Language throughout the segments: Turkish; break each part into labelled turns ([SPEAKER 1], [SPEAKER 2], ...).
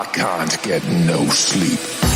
[SPEAKER 1] I can't get no sleep.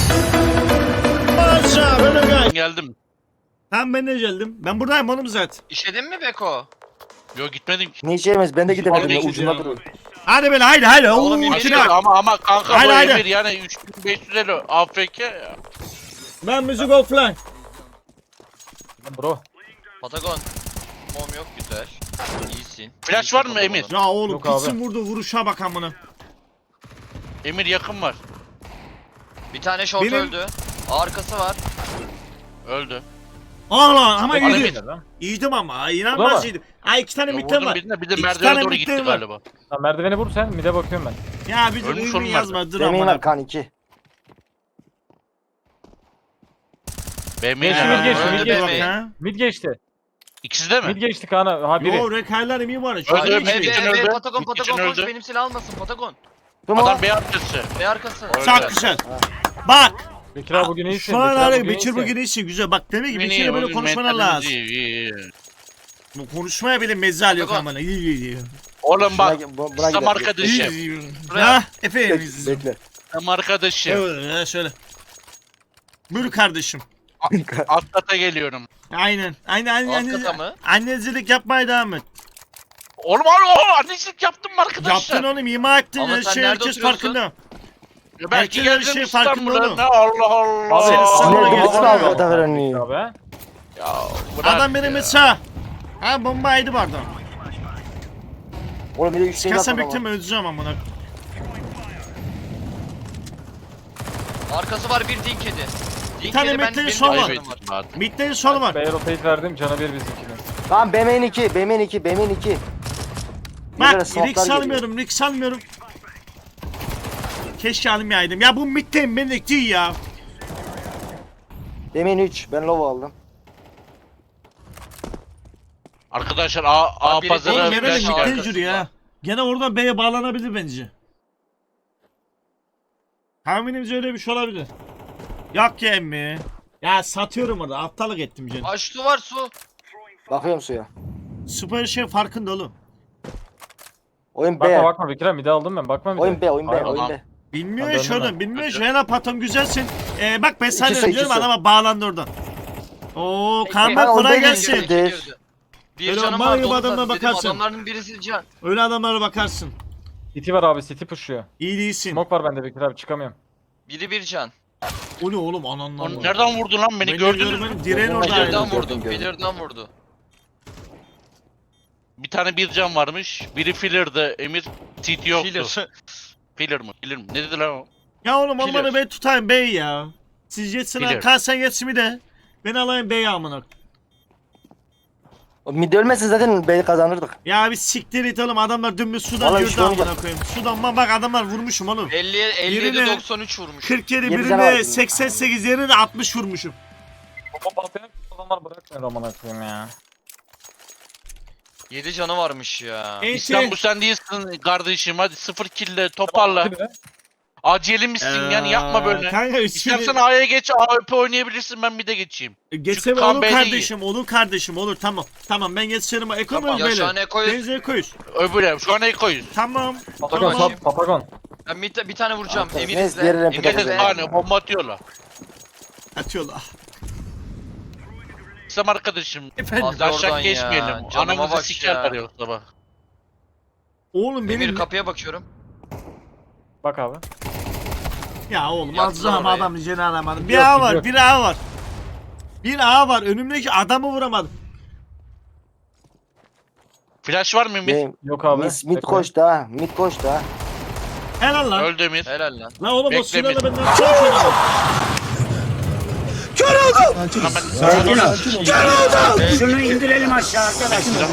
[SPEAKER 2] Aşağı böyle gel.
[SPEAKER 3] Geldim.
[SPEAKER 2] Tamam ben de geldim. Ben buradayım oğlum zaten.
[SPEAKER 4] İşledin mi Beko?
[SPEAKER 3] Yok gitmedim ki.
[SPEAKER 5] Ne içeyemez? Ben de gidemedim ya
[SPEAKER 3] Vallahi
[SPEAKER 5] ucunda
[SPEAKER 3] gidiyorum.
[SPEAKER 5] duruyor.
[SPEAKER 2] Hadi böyle haydi.
[SPEAKER 4] Oğlum,
[SPEAKER 2] Oo,
[SPEAKER 4] yemin
[SPEAKER 2] içine
[SPEAKER 4] ediyorum.
[SPEAKER 2] bak.
[SPEAKER 3] Ama kanka
[SPEAKER 2] Haydi,
[SPEAKER 3] bu
[SPEAKER 2] haydi.
[SPEAKER 3] Emir yani 3550 AFK ya.
[SPEAKER 2] Ben müzik offline.
[SPEAKER 6] Bro.
[SPEAKER 4] Patagon. Mom yok güzel. İyisin.
[SPEAKER 3] Flash
[SPEAKER 4] İyisin
[SPEAKER 3] var mı
[SPEAKER 4] Patagon.
[SPEAKER 3] Emir?
[SPEAKER 2] Ya oğlum
[SPEAKER 6] Yok abi.
[SPEAKER 2] gitsin vurdu vuruşa bak amına.
[SPEAKER 3] Emir yakın var.
[SPEAKER 4] Bir tane short
[SPEAKER 2] Benim-
[SPEAKER 4] öldü. Arkası var.
[SPEAKER 3] Öldü.
[SPEAKER 2] Ah lan ama
[SPEAKER 3] Bana
[SPEAKER 2] iyiydim.
[SPEAKER 3] bir-
[SPEAKER 2] İyiydim ama
[SPEAKER 6] Ulan
[SPEAKER 2] inanılmaz
[SPEAKER 6] mı?
[SPEAKER 2] iyiydim. Ay iki tane
[SPEAKER 3] Ya
[SPEAKER 2] midden
[SPEAKER 3] vurdum
[SPEAKER 2] var.
[SPEAKER 3] birine bir de
[SPEAKER 2] İki
[SPEAKER 3] merdivene
[SPEAKER 2] tane
[SPEAKER 3] doğru
[SPEAKER 2] midden
[SPEAKER 3] gitti
[SPEAKER 2] var.
[SPEAKER 3] galiba.
[SPEAKER 6] Lan merdiveni vur sen mide bakıyorum ben.
[SPEAKER 2] Ya bir
[SPEAKER 3] Ölmüş
[SPEAKER 2] ürün
[SPEAKER 3] oğlum
[SPEAKER 2] yazma dur
[SPEAKER 5] Demeyin
[SPEAKER 2] amına.
[SPEAKER 5] var kan 2.
[SPEAKER 3] BM'yi
[SPEAKER 6] Geçti,
[SPEAKER 3] de
[SPEAKER 6] mid geçti,
[SPEAKER 3] öldü.
[SPEAKER 6] mid
[SPEAKER 4] Öldü
[SPEAKER 6] geçti.
[SPEAKER 4] BM.
[SPEAKER 2] Ha?
[SPEAKER 6] Mid geçti.
[SPEAKER 3] İkisi de mi?
[SPEAKER 6] Mid geçti Kaan'a. Ha biri.
[SPEAKER 2] Yo rekarlar emin var.
[SPEAKER 3] Öldü,
[SPEAKER 2] Öldü,
[SPEAKER 3] öldü.
[SPEAKER 4] Ebe
[SPEAKER 3] için
[SPEAKER 4] ebe
[SPEAKER 3] öldü.
[SPEAKER 4] Patagon
[SPEAKER 3] Mid için
[SPEAKER 4] Patagon koş
[SPEAKER 3] öldü.
[SPEAKER 4] benim silah almasın Patagon.
[SPEAKER 3] Adam B arkası.
[SPEAKER 4] Ve arkası.
[SPEAKER 3] Öldü.
[SPEAKER 2] Çok güzel. Bak.
[SPEAKER 6] Bekir abi bugün iyisin.
[SPEAKER 2] Şu an
[SPEAKER 6] Bekir abi
[SPEAKER 2] arayı
[SPEAKER 6] bugün
[SPEAKER 2] Bekir
[SPEAKER 6] iyisin.
[SPEAKER 2] bugün iyisin güzel. Bak demek ki
[SPEAKER 3] Beni
[SPEAKER 2] Bekir'le böyle
[SPEAKER 3] bugün
[SPEAKER 2] konuşman
[SPEAKER 3] mentalimiz
[SPEAKER 2] lazım.
[SPEAKER 3] iyi.
[SPEAKER 2] Bu konuşmaya bile mezzal yok
[SPEAKER 4] Patagon.
[SPEAKER 2] amına. İyi.
[SPEAKER 3] Oğlum bak.
[SPEAKER 5] Buna
[SPEAKER 3] Tam
[SPEAKER 5] gidelim.
[SPEAKER 3] arkadaşım.
[SPEAKER 2] İyi.
[SPEAKER 4] Buraya.
[SPEAKER 2] Ha efendim.
[SPEAKER 5] Bekle.
[SPEAKER 3] Tam arkadaşım.
[SPEAKER 2] Evet şöyle. Buyur kardeşim.
[SPEAKER 3] Alt kata geliyorum.
[SPEAKER 2] Aynen.
[SPEAKER 4] Alt kata mı?
[SPEAKER 2] Annecilik yapmaya devam et.
[SPEAKER 3] Oğlum annecilik yaptım mı arkadaşlar?
[SPEAKER 2] Yaptın oğlum ima ettin
[SPEAKER 4] Ama
[SPEAKER 2] her
[SPEAKER 4] sen
[SPEAKER 2] şey
[SPEAKER 4] nerede
[SPEAKER 2] herkes
[SPEAKER 4] oturuyorsun?
[SPEAKER 2] farkında.
[SPEAKER 3] Ya belki
[SPEAKER 2] Herkes her
[SPEAKER 3] geldim
[SPEAKER 2] şey farkında
[SPEAKER 3] İstanbul'a.
[SPEAKER 2] oğlum.
[SPEAKER 3] Ne Allah Allah.
[SPEAKER 2] Senin
[SPEAKER 5] Ne
[SPEAKER 2] Sonra
[SPEAKER 5] bilirsin
[SPEAKER 2] gelsin
[SPEAKER 5] abi
[SPEAKER 2] abi.
[SPEAKER 5] o da veren iyi.
[SPEAKER 6] Bekir abi.
[SPEAKER 3] Ya bırak
[SPEAKER 2] Adam benim
[SPEAKER 3] ya.
[SPEAKER 2] mesela. Ha bombaydı vardı.
[SPEAKER 5] Oğlum bir de 3 şey
[SPEAKER 2] Çıkarsan
[SPEAKER 5] yapma
[SPEAKER 2] bekleme öleceğim amına.
[SPEAKER 4] Arkası var bir din kedi. Din
[SPEAKER 2] tane
[SPEAKER 4] kedi
[SPEAKER 2] bekleyin,
[SPEAKER 4] benim
[SPEAKER 2] sol var.
[SPEAKER 4] canım var.
[SPEAKER 3] Kaybettim.
[SPEAKER 2] Midlerin solu var.
[SPEAKER 6] B'ye rotate verdim. Cana bir bizimkinin.
[SPEAKER 5] Tamam BM'nin 2. BM'nin 2. BM'nin 2.
[SPEAKER 2] Bak Rick salmıyorum Rick salmıyorum. Keşke almayaydım. Ya bu midden benlik değil ya.
[SPEAKER 5] BM'nin 3. Ben low aldım.
[SPEAKER 3] Arkadaşlar A
[SPEAKER 4] Biri
[SPEAKER 3] pazarı
[SPEAKER 4] değil,
[SPEAKER 2] Oğlum
[SPEAKER 4] Biraz
[SPEAKER 2] gene de
[SPEAKER 4] şu
[SPEAKER 2] midden
[SPEAKER 4] arkası
[SPEAKER 2] yürü
[SPEAKER 4] var.
[SPEAKER 2] ya. Gene oradan B'ye bağlanabilir bence. Tahminimce öyle bir şey olabilir. Yok ya emmi. Ya satıyorum orada aptallık ettim canım.
[SPEAKER 4] Aç su var su.
[SPEAKER 5] Bakıyorum suya.
[SPEAKER 2] Süper şey farkında oğlum.
[SPEAKER 5] Oyun
[SPEAKER 6] Bakma
[SPEAKER 5] B.
[SPEAKER 6] bakma Bekir abi mide aldım ben. Bakma mide.
[SPEAKER 5] Oyun B. Oyun B.
[SPEAKER 6] Hayır,
[SPEAKER 5] Oyun
[SPEAKER 3] tamam.
[SPEAKER 5] B.
[SPEAKER 2] Bilmiyor
[SPEAKER 6] Ben
[SPEAKER 2] ya şu
[SPEAKER 6] döndüm
[SPEAKER 2] adam
[SPEAKER 6] ben.
[SPEAKER 2] bilmiyor şu
[SPEAKER 3] Hadi.
[SPEAKER 2] Helal patom güzelsin. Bak ben sana
[SPEAKER 5] İkisi,
[SPEAKER 2] diyorum
[SPEAKER 5] ikisi.
[SPEAKER 2] adama bağlandı oradan. Oo Kaan
[SPEAKER 5] Ha, o
[SPEAKER 2] kolay
[SPEAKER 5] benim
[SPEAKER 2] gelsin.
[SPEAKER 5] işte. Girdi.
[SPEAKER 4] Bir
[SPEAKER 2] Öyle
[SPEAKER 4] canım
[SPEAKER 2] mal
[SPEAKER 4] var
[SPEAKER 2] gibi
[SPEAKER 4] dolu
[SPEAKER 2] adamına
[SPEAKER 4] dedim
[SPEAKER 2] bakarsın.
[SPEAKER 4] adamların birisi can.
[SPEAKER 2] Öyle adamlara bakarsın.
[SPEAKER 6] City var abi. City pushuyor.
[SPEAKER 2] İyi değilsin.
[SPEAKER 6] Smoke var bende Bekir abi çıkamıyorum.
[SPEAKER 4] Biri bir can.
[SPEAKER 2] O ne oğlum ananlar.
[SPEAKER 3] Onu nereden vurdun lan beni gördünüz mü?
[SPEAKER 2] Direğin
[SPEAKER 5] Gördüm,
[SPEAKER 2] oradaydı.
[SPEAKER 5] gördüm.
[SPEAKER 4] Pillar'dan vurdu.
[SPEAKER 5] gördüm.
[SPEAKER 4] Pillar'dan vurdu.
[SPEAKER 3] Bir tane bir can varmış. Biri filler'dı. Emir CT yoktu.
[SPEAKER 4] Pillar.
[SPEAKER 3] Filler mı? Filler mi? Ne dedi lan o?
[SPEAKER 2] Ya oğlum
[SPEAKER 4] Killer.
[SPEAKER 2] onları ben tutayım bey ya. Siz yetsin ha
[SPEAKER 3] Killer.
[SPEAKER 2] Kaan sen yetsin mi de. Ben alayım bey amına.
[SPEAKER 5] O mid ölmezse zaten B'yi kazanırdık.
[SPEAKER 2] Ya bir siktir et oğlum adamlar dümdüz sudan
[SPEAKER 5] Vallahi
[SPEAKER 2] yürüdü
[SPEAKER 5] işte onu
[SPEAKER 2] amına koyayım. Sudan bak adamlar vurmuşum oğlum.
[SPEAKER 4] 57
[SPEAKER 2] Birine-
[SPEAKER 4] 93 vurmuş.
[SPEAKER 2] 47
[SPEAKER 5] Yedi tane var
[SPEAKER 2] birine
[SPEAKER 5] şimdi.
[SPEAKER 2] 88 yerine de 60 vurmuşum.
[SPEAKER 6] Bomba patlayan adamlar bırakmıyor amına koyayım ya.
[SPEAKER 4] 7 canı varmış ya.
[SPEAKER 3] İslam bu sen değilsin kardeşim. Hadi 0 kill'le toparla.
[SPEAKER 6] Hadi be.
[SPEAKER 3] Aceli misin yani yapma böyle.
[SPEAKER 2] Kanka
[SPEAKER 3] İstersen A'ya geç, AWP oynayabilirsin, ben mid'e geçeyim.
[SPEAKER 2] geçsem
[SPEAKER 3] Kaan
[SPEAKER 2] olur
[SPEAKER 3] Bey'de
[SPEAKER 2] kardeşim olur kardeşim olur tamam. Tamam ben geçerim ekonomi
[SPEAKER 4] Ya şu an
[SPEAKER 2] böyle.
[SPEAKER 4] Eko'yu
[SPEAKER 2] Denize ekoyuz.
[SPEAKER 3] Öbürü şu an ekoyuz.
[SPEAKER 2] Tamam.
[SPEAKER 6] Patagon
[SPEAKER 4] Tamam.
[SPEAKER 6] sat Patagon.
[SPEAKER 4] ben bir tane vuracağım.
[SPEAKER 5] Aferin.
[SPEAKER 4] Emir
[SPEAKER 5] Neyse,
[SPEAKER 4] izle.
[SPEAKER 5] diğerine
[SPEAKER 4] Emir
[SPEAKER 5] Patagon.
[SPEAKER 4] izle.
[SPEAKER 3] Yani bomba atıyorlar.
[SPEAKER 2] Atıyorlar.
[SPEAKER 3] İslam arkadaşım.
[SPEAKER 2] Efendim.
[SPEAKER 4] Hadi
[SPEAKER 3] Aşağı
[SPEAKER 4] oradan
[SPEAKER 3] geçmeyelim.
[SPEAKER 4] ya, canıma
[SPEAKER 3] Anamızı
[SPEAKER 4] bak
[SPEAKER 3] sikerler
[SPEAKER 4] ya.
[SPEAKER 3] yoksa bak.
[SPEAKER 2] Oğlum benim
[SPEAKER 4] Emir kapıya bakıyorum.
[SPEAKER 6] Bak abi.
[SPEAKER 2] ya oğlum
[SPEAKER 4] Yaptılar
[SPEAKER 2] azrağım
[SPEAKER 4] orayı.
[SPEAKER 2] adam üzerine alamadım. Bir
[SPEAKER 6] Yok,
[SPEAKER 2] A var,
[SPEAKER 6] yok.
[SPEAKER 2] bir A var. Bir A var. Önümdeki adamı vuramadım.
[SPEAKER 3] Flash var mı Emir?
[SPEAKER 5] Benim
[SPEAKER 6] Yok abi.
[SPEAKER 5] mid koştu ha. Mid koştu ha.
[SPEAKER 2] Helal lan.
[SPEAKER 3] Öldü Emir.
[SPEAKER 4] Helal lan.
[SPEAKER 2] Lan oğlum o
[SPEAKER 3] Bekle
[SPEAKER 2] silahla
[SPEAKER 3] bir-
[SPEAKER 2] ben nasıl çalışıyorum?
[SPEAKER 7] Şunu indirelim aşağı arkadaşlar.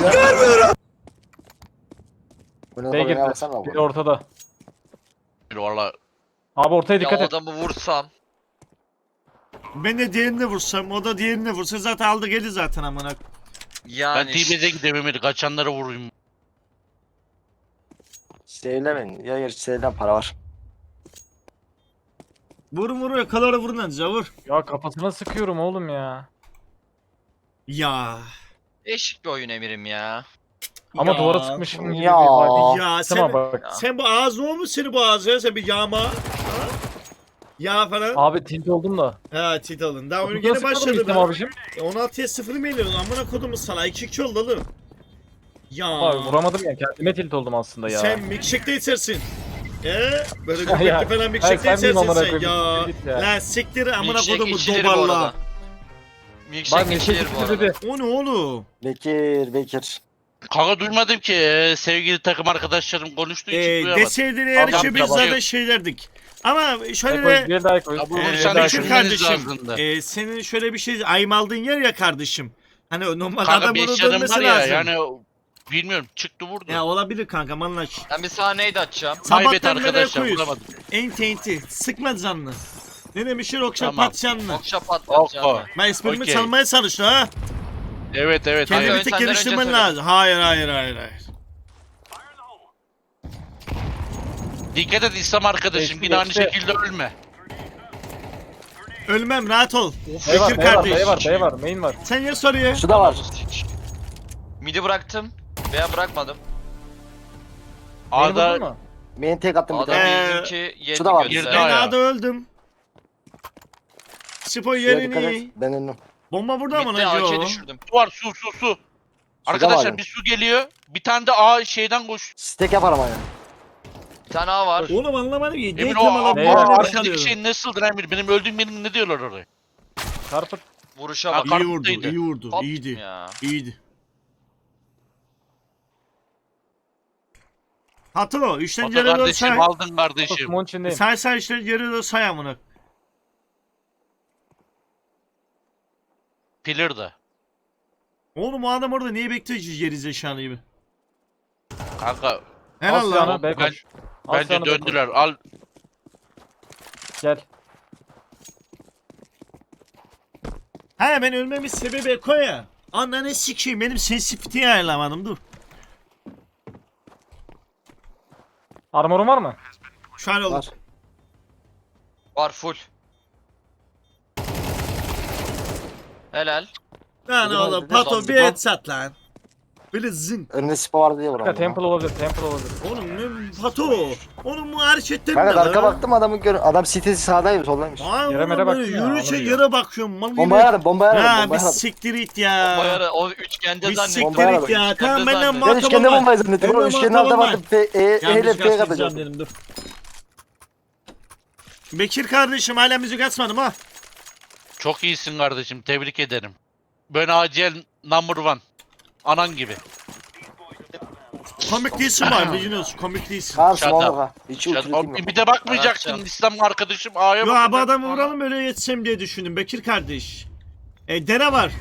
[SPEAKER 5] Bunu
[SPEAKER 6] B'ye
[SPEAKER 5] da
[SPEAKER 6] girdi.
[SPEAKER 5] baksana
[SPEAKER 6] Biri
[SPEAKER 5] bu.
[SPEAKER 6] ortada.
[SPEAKER 3] Valla
[SPEAKER 6] Abi ortaya
[SPEAKER 4] Ya
[SPEAKER 6] dikkat
[SPEAKER 4] o
[SPEAKER 6] et.
[SPEAKER 4] adamı vursam.
[SPEAKER 2] Ben de diğerini vursam, o da diğerini vursa zaten aldı geldi zaten amına.
[SPEAKER 3] ben
[SPEAKER 4] Yani.
[SPEAKER 3] TB'de gideyim Emir. Kaçanları vurayım.
[SPEAKER 5] Sevlemeyin. Ya gerçi sevlen para var.
[SPEAKER 2] Vur yakalara vurun anca vur.
[SPEAKER 6] Ya kafasına sıkıyorum oğlum ya.
[SPEAKER 2] Ya.
[SPEAKER 4] Değişik bir oyun Emir'im ya.
[SPEAKER 6] Ama
[SPEAKER 2] Ya.
[SPEAKER 6] duvara sıkmışım gibi
[SPEAKER 5] Ya.
[SPEAKER 6] bir vibe.
[SPEAKER 2] Ya
[SPEAKER 6] Tamam
[SPEAKER 2] sen,
[SPEAKER 6] bak.
[SPEAKER 4] Ya.
[SPEAKER 2] sen bu ağzı olmuş seni bu ağzı ya sen bir yağma. Ya falan.
[SPEAKER 6] Abi tilt oldum da.
[SPEAKER 2] Ha tit alın. Daha oyun
[SPEAKER 6] Nasıl
[SPEAKER 2] gene
[SPEAKER 6] sıkmadın
[SPEAKER 2] başladı
[SPEAKER 6] İslam
[SPEAKER 2] be.
[SPEAKER 6] abicim?
[SPEAKER 2] 16'ya 0 mı geliyoruz? Amına kodumuz sana. 2-2 oldu oğlum. Ya.
[SPEAKER 6] Abi vuramadım ya. Kendime tilt oldum aslında ya.
[SPEAKER 2] Sen milkshake de içersin. Böyle
[SPEAKER 6] Ya,
[SPEAKER 2] göbekli falan milkshake de
[SPEAKER 6] sen bileyim
[SPEAKER 2] içersin
[SPEAKER 6] amına
[SPEAKER 2] sen.
[SPEAKER 6] koyayım,
[SPEAKER 2] Ya.
[SPEAKER 6] git ya.
[SPEAKER 2] Lan siktir amına
[SPEAKER 4] Milkshake
[SPEAKER 2] kodumu
[SPEAKER 4] içilir bu
[SPEAKER 2] dobarla.
[SPEAKER 4] arada.
[SPEAKER 6] Bak
[SPEAKER 4] Milkshake
[SPEAKER 6] ne
[SPEAKER 4] içilir bu arada.
[SPEAKER 6] dedi.
[SPEAKER 2] O ne oğlum?
[SPEAKER 5] Bekir.
[SPEAKER 3] Kanka duymadım ki sevgili takım arkadaşlarım konuştuğu için duyamadım.
[SPEAKER 2] Deseydin eğer
[SPEAKER 6] Tamam,
[SPEAKER 2] ki biz
[SPEAKER 6] tamam.
[SPEAKER 2] zaten şeylerdik. Ama şöyle
[SPEAKER 6] Koy,
[SPEAKER 2] de
[SPEAKER 6] bir daha koy.
[SPEAKER 3] Ya bu
[SPEAKER 6] Bir
[SPEAKER 3] sen
[SPEAKER 6] daha
[SPEAKER 2] Bekir
[SPEAKER 6] koy.
[SPEAKER 3] düşünmeniz
[SPEAKER 2] kardeşim
[SPEAKER 3] lazımdı.
[SPEAKER 2] senin şöyle bir şey ayım yer ya kardeşim. Hani normal
[SPEAKER 3] Kanka
[SPEAKER 2] adam
[SPEAKER 3] 5
[SPEAKER 2] bunu
[SPEAKER 3] canım
[SPEAKER 2] dönmesi
[SPEAKER 3] var ya
[SPEAKER 2] lazım.
[SPEAKER 3] yani bilmiyorum çıktı vurdu.
[SPEAKER 2] Ya olabilir kanka manlaş.
[SPEAKER 4] Ben bir sahneydi açacağım.
[SPEAKER 3] Kaybet
[SPEAKER 2] Sabahtan beri
[SPEAKER 3] arkadaşlar
[SPEAKER 2] koyuyoruz.
[SPEAKER 3] vuramadım.
[SPEAKER 2] Enti. Sıkma canını. Ne demişler okşa
[SPEAKER 3] Tamam.
[SPEAKER 2] pat canını.
[SPEAKER 4] Okşa patlatacağım.
[SPEAKER 3] Okko.
[SPEAKER 2] Ben esprimi
[SPEAKER 3] Okey.
[SPEAKER 2] çalmaya çalıştım ha.
[SPEAKER 3] Evet
[SPEAKER 2] Kendini
[SPEAKER 4] Hayır,
[SPEAKER 2] bir tek
[SPEAKER 4] senden
[SPEAKER 2] geliştirmen
[SPEAKER 4] önce
[SPEAKER 2] lazım. Hayır.
[SPEAKER 3] Dikkat et İslam arkadaşım
[SPEAKER 6] Geçti,
[SPEAKER 3] yine aynı
[SPEAKER 6] geçti.
[SPEAKER 3] şekilde ölme.
[SPEAKER 2] Ölmem rahat ol.
[SPEAKER 6] B var,
[SPEAKER 2] Bekir
[SPEAKER 6] B var,
[SPEAKER 2] kardeş.
[SPEAKER 6] B var, B var, main var.
[SPEAKER 2] Sen ya soruyor.
[SPEAKER 5] Şu da var.
[SPEAKER 4] Midi bıraktım. Veya bırakmadım.
[SPEAKER 6] Main vurdun
[SPEAKER 3] A'da
[SPEAKER 6] mu?
[SPEAKER 5] Main tek attım bir
[SPEAKER 4] Adam
[SPEAKER 5] tane.
[SPEAKER 4] bizimki yedi
[SPEAKER 5] şu da var.
[SPEAKER 3] Girdi
[SPEAKER 4] gözler.
[SPEAKER 2] Ben
[SPEAKER 3] ayağa.
[SPEAKER 2] A'da öldüm. Spo
[SPEAKER 5] Şuraya dikkat
[SPEAKER 2] yerini.
[SPEAKER 5] et. Ben önüm.
[SPEAKER 2] Bomba burada mı
[SPEAKER 4] Mid'de
[SPEAKER 2] lan?
[SPEAKER 4] AK
[SPEAKER 2] Yo.
[SPEAKER 4] düşürdüm.
[SPEAKER 3] su var su.
[SPEAKER 5] var
[SPEAKER 3] Arkadaşlar
[SPEAKER 5] ya.
[SPEAKER 3] bir su geliyor. Bir tane de A şeyden koş.
[SPEAKER 5] Stack yaparım hani.
[SPEAKER 4] Bir tane A var.
[SPEAKER 2] Oğlum anlamadım ki.
[SPEAKER 3] Emir
[SPEAKER 2] Denk
[SPEAKER 3] o
[SPEAKER 2] alıp
[SPEAKER 6] ne
[SPEAKER 2] bomba
[SPEAKER 6] var?
[SPEAKER 3] arkadaki
[SPEAKER 2] çalıyorum.
[SPEAKER 3] şey nasıldır Emir? Benim öldüğüm benim ne diyorlar oraya?
[SPEAKER 6] Çarpıt.
[SPEAKER 4] Vuruşa
[SPEAKER 3] Ha,
[SPEAKER 4] bak.
[SPEAKER 2] İyi vurdu,
[SPEAKER 3] Kartıydı.
[SPEAKER 2] iyi vurdu.
[SPEAKER 4] Pat
[SPEAKER 2] İyiydi.
[SPEAKER 4] ya.
[SPEAKER 2] İyiydi. Hato, işten
[SPEAKER 3] Foto
[SPEAKER 2] geri dön
[SPEAKER 3] kardeşim
[SPEAKER 2] say.
[SPEAKER 3] aldın kardeşim.
[SPEAKER 6] Osman içindeyim.
[SPEAKER 2] Say işten geri dön say amına.
[SPEAKER 3] Pillar'da.
[SPEAKER 2] Oğlum o adam orada niye bekliyor ki geri zekalı gibi?
[SPEAKER 3] Kanka
[SPEAKER 2] Helal lan.
[SPEAKER 6] Aslanı B
[SPEAKER 3] Ben-
[SPEAKER 6] koş.
[SPEAKER 3] bence
[SPEAKER 6] Aslanı B koş.
[SPEAKER 3] döndüler. Al
[SPEAKER 6] Gel.
[SPEAKER 2] He ben ölmemin sebebi Eko ya. Ananı sikeyim benim sensitiviteyi ayarlamadım dur.
[SPEAKER 6] Armorun var mı?
[SPEAKER 2] Şu an oldu.
[SPEAKER 5] Var.
[SPEAKER 4] Var full. Helal.
[SPEAKER 2] Lan
[SPEAKER 5] Dedim
[SPEAKER 2] oğlum
[SPEAKER 5] abi,
[SPEAKER 2] Pato
[SPEAKER 4] dedim.
[SPEAKER 2] bir headshot lan. Böyle zın.
[SPEAKER 5] Önünde Spo vardı diye
[SPEAKER 6] Kanka
[SPEAKER 5] vuramadım.
[SPEAKER 6] temple olabilir, temple olabilir.
[SPEAKER 2] Oğlum ne Pato? Oğlum bu hareketten
[SPEAKER 5] Kanka
[SPEAKER 2] ne
[SPEAKER 5] arka
[SPEAKER 2] lan?
[SPEAKER 5] baktım adamın adam sitesi sağdaymış soldaymış.
[SPEAKER 2] Ay
[SPEAKER 6] Yere
[SPEAKER 2] oğlum
[SPEAKER 6] mere
[SPEAKER 2] böyle
[SPEAKER 6] baktın ya,
[SPEAKER 2] yürüyüşe
[SPEAKER 6] anladın
[SPEAKER 2] yere bakıyorum. Mal
[SPEAKER 5] Bombayı
[SPEAKER 2] gibi.
[SPEAKER 5] aradım, bombayı aradım,
[SPEAKER 2] Ha bir
[SPEAKER 5] bombayı aradım.
[SPEAKER 2] siktir it ya.
[SPEAKER 4] Bayarı o üçgende
[SPEAKER 2] Bir
[SPEAKER 4] zannettim.
[SPEAKER 2] siktir
[SPEAKER 5] Bombayı
[SPEAKER 2] it ya.
[SPEAKER 4] aradım.
[SPEAKER 2] Tamam benden
[SPEAKER 4] Üçgende
[SPEAKER 5] Ben
[SPEAKER 2] muhatap
[SPEAKER 5] üçgende
[SPEAKER 2] olma.
[SPEAKER 5] bombayı zannettim.
[SPEAKER 2] Benim
[SPEAKER 5] Oğlum üçgende
[SPEAKER 2] muhatap
[SPEAKER 5] aldım
[SPEAKER 2] olma.
[SPEAKER 5] attım. Hele
[SPEAKER 2] Yanlış
[SPEAKER 5] F'ye
[SPEAKER 2] kaçıracağım
[SPEAKER 5] katacağım.
[SPEAKER 2] dedim dur. Bekir kardeşim hala müzik açmadım ha.
[SPEAKER 3] çok iyisin kardeşim. Tebrik ederim. Ben acil number one. Anan gibi.
[SPEAKER 2] Komik değilsin var biliyorsunuz komik değilsin.
[SPEAKER 5] Kaan
[SPEAKER 3] Shut
[SPEAKER 5] small
[SPEAKER 3] up.
[SPEAKER 5] baka. Hiç
[SPEAKER 3] Ya,
[SPEAKER 5] ultimate'im yok.
[SPEAKER 3] bir de bakmayacaktın
[SPEAKER 4] Anlatacağım.
[SPEAKER 3] İslam arkadaşım A'ya
[SPEAKER 2] Yo
[SPEAKER 3] bakacaktın.
[SPEAKER 2] abi adamı vuralım öyle yetsem diye düşündüm Bekir kardeş. Dere var.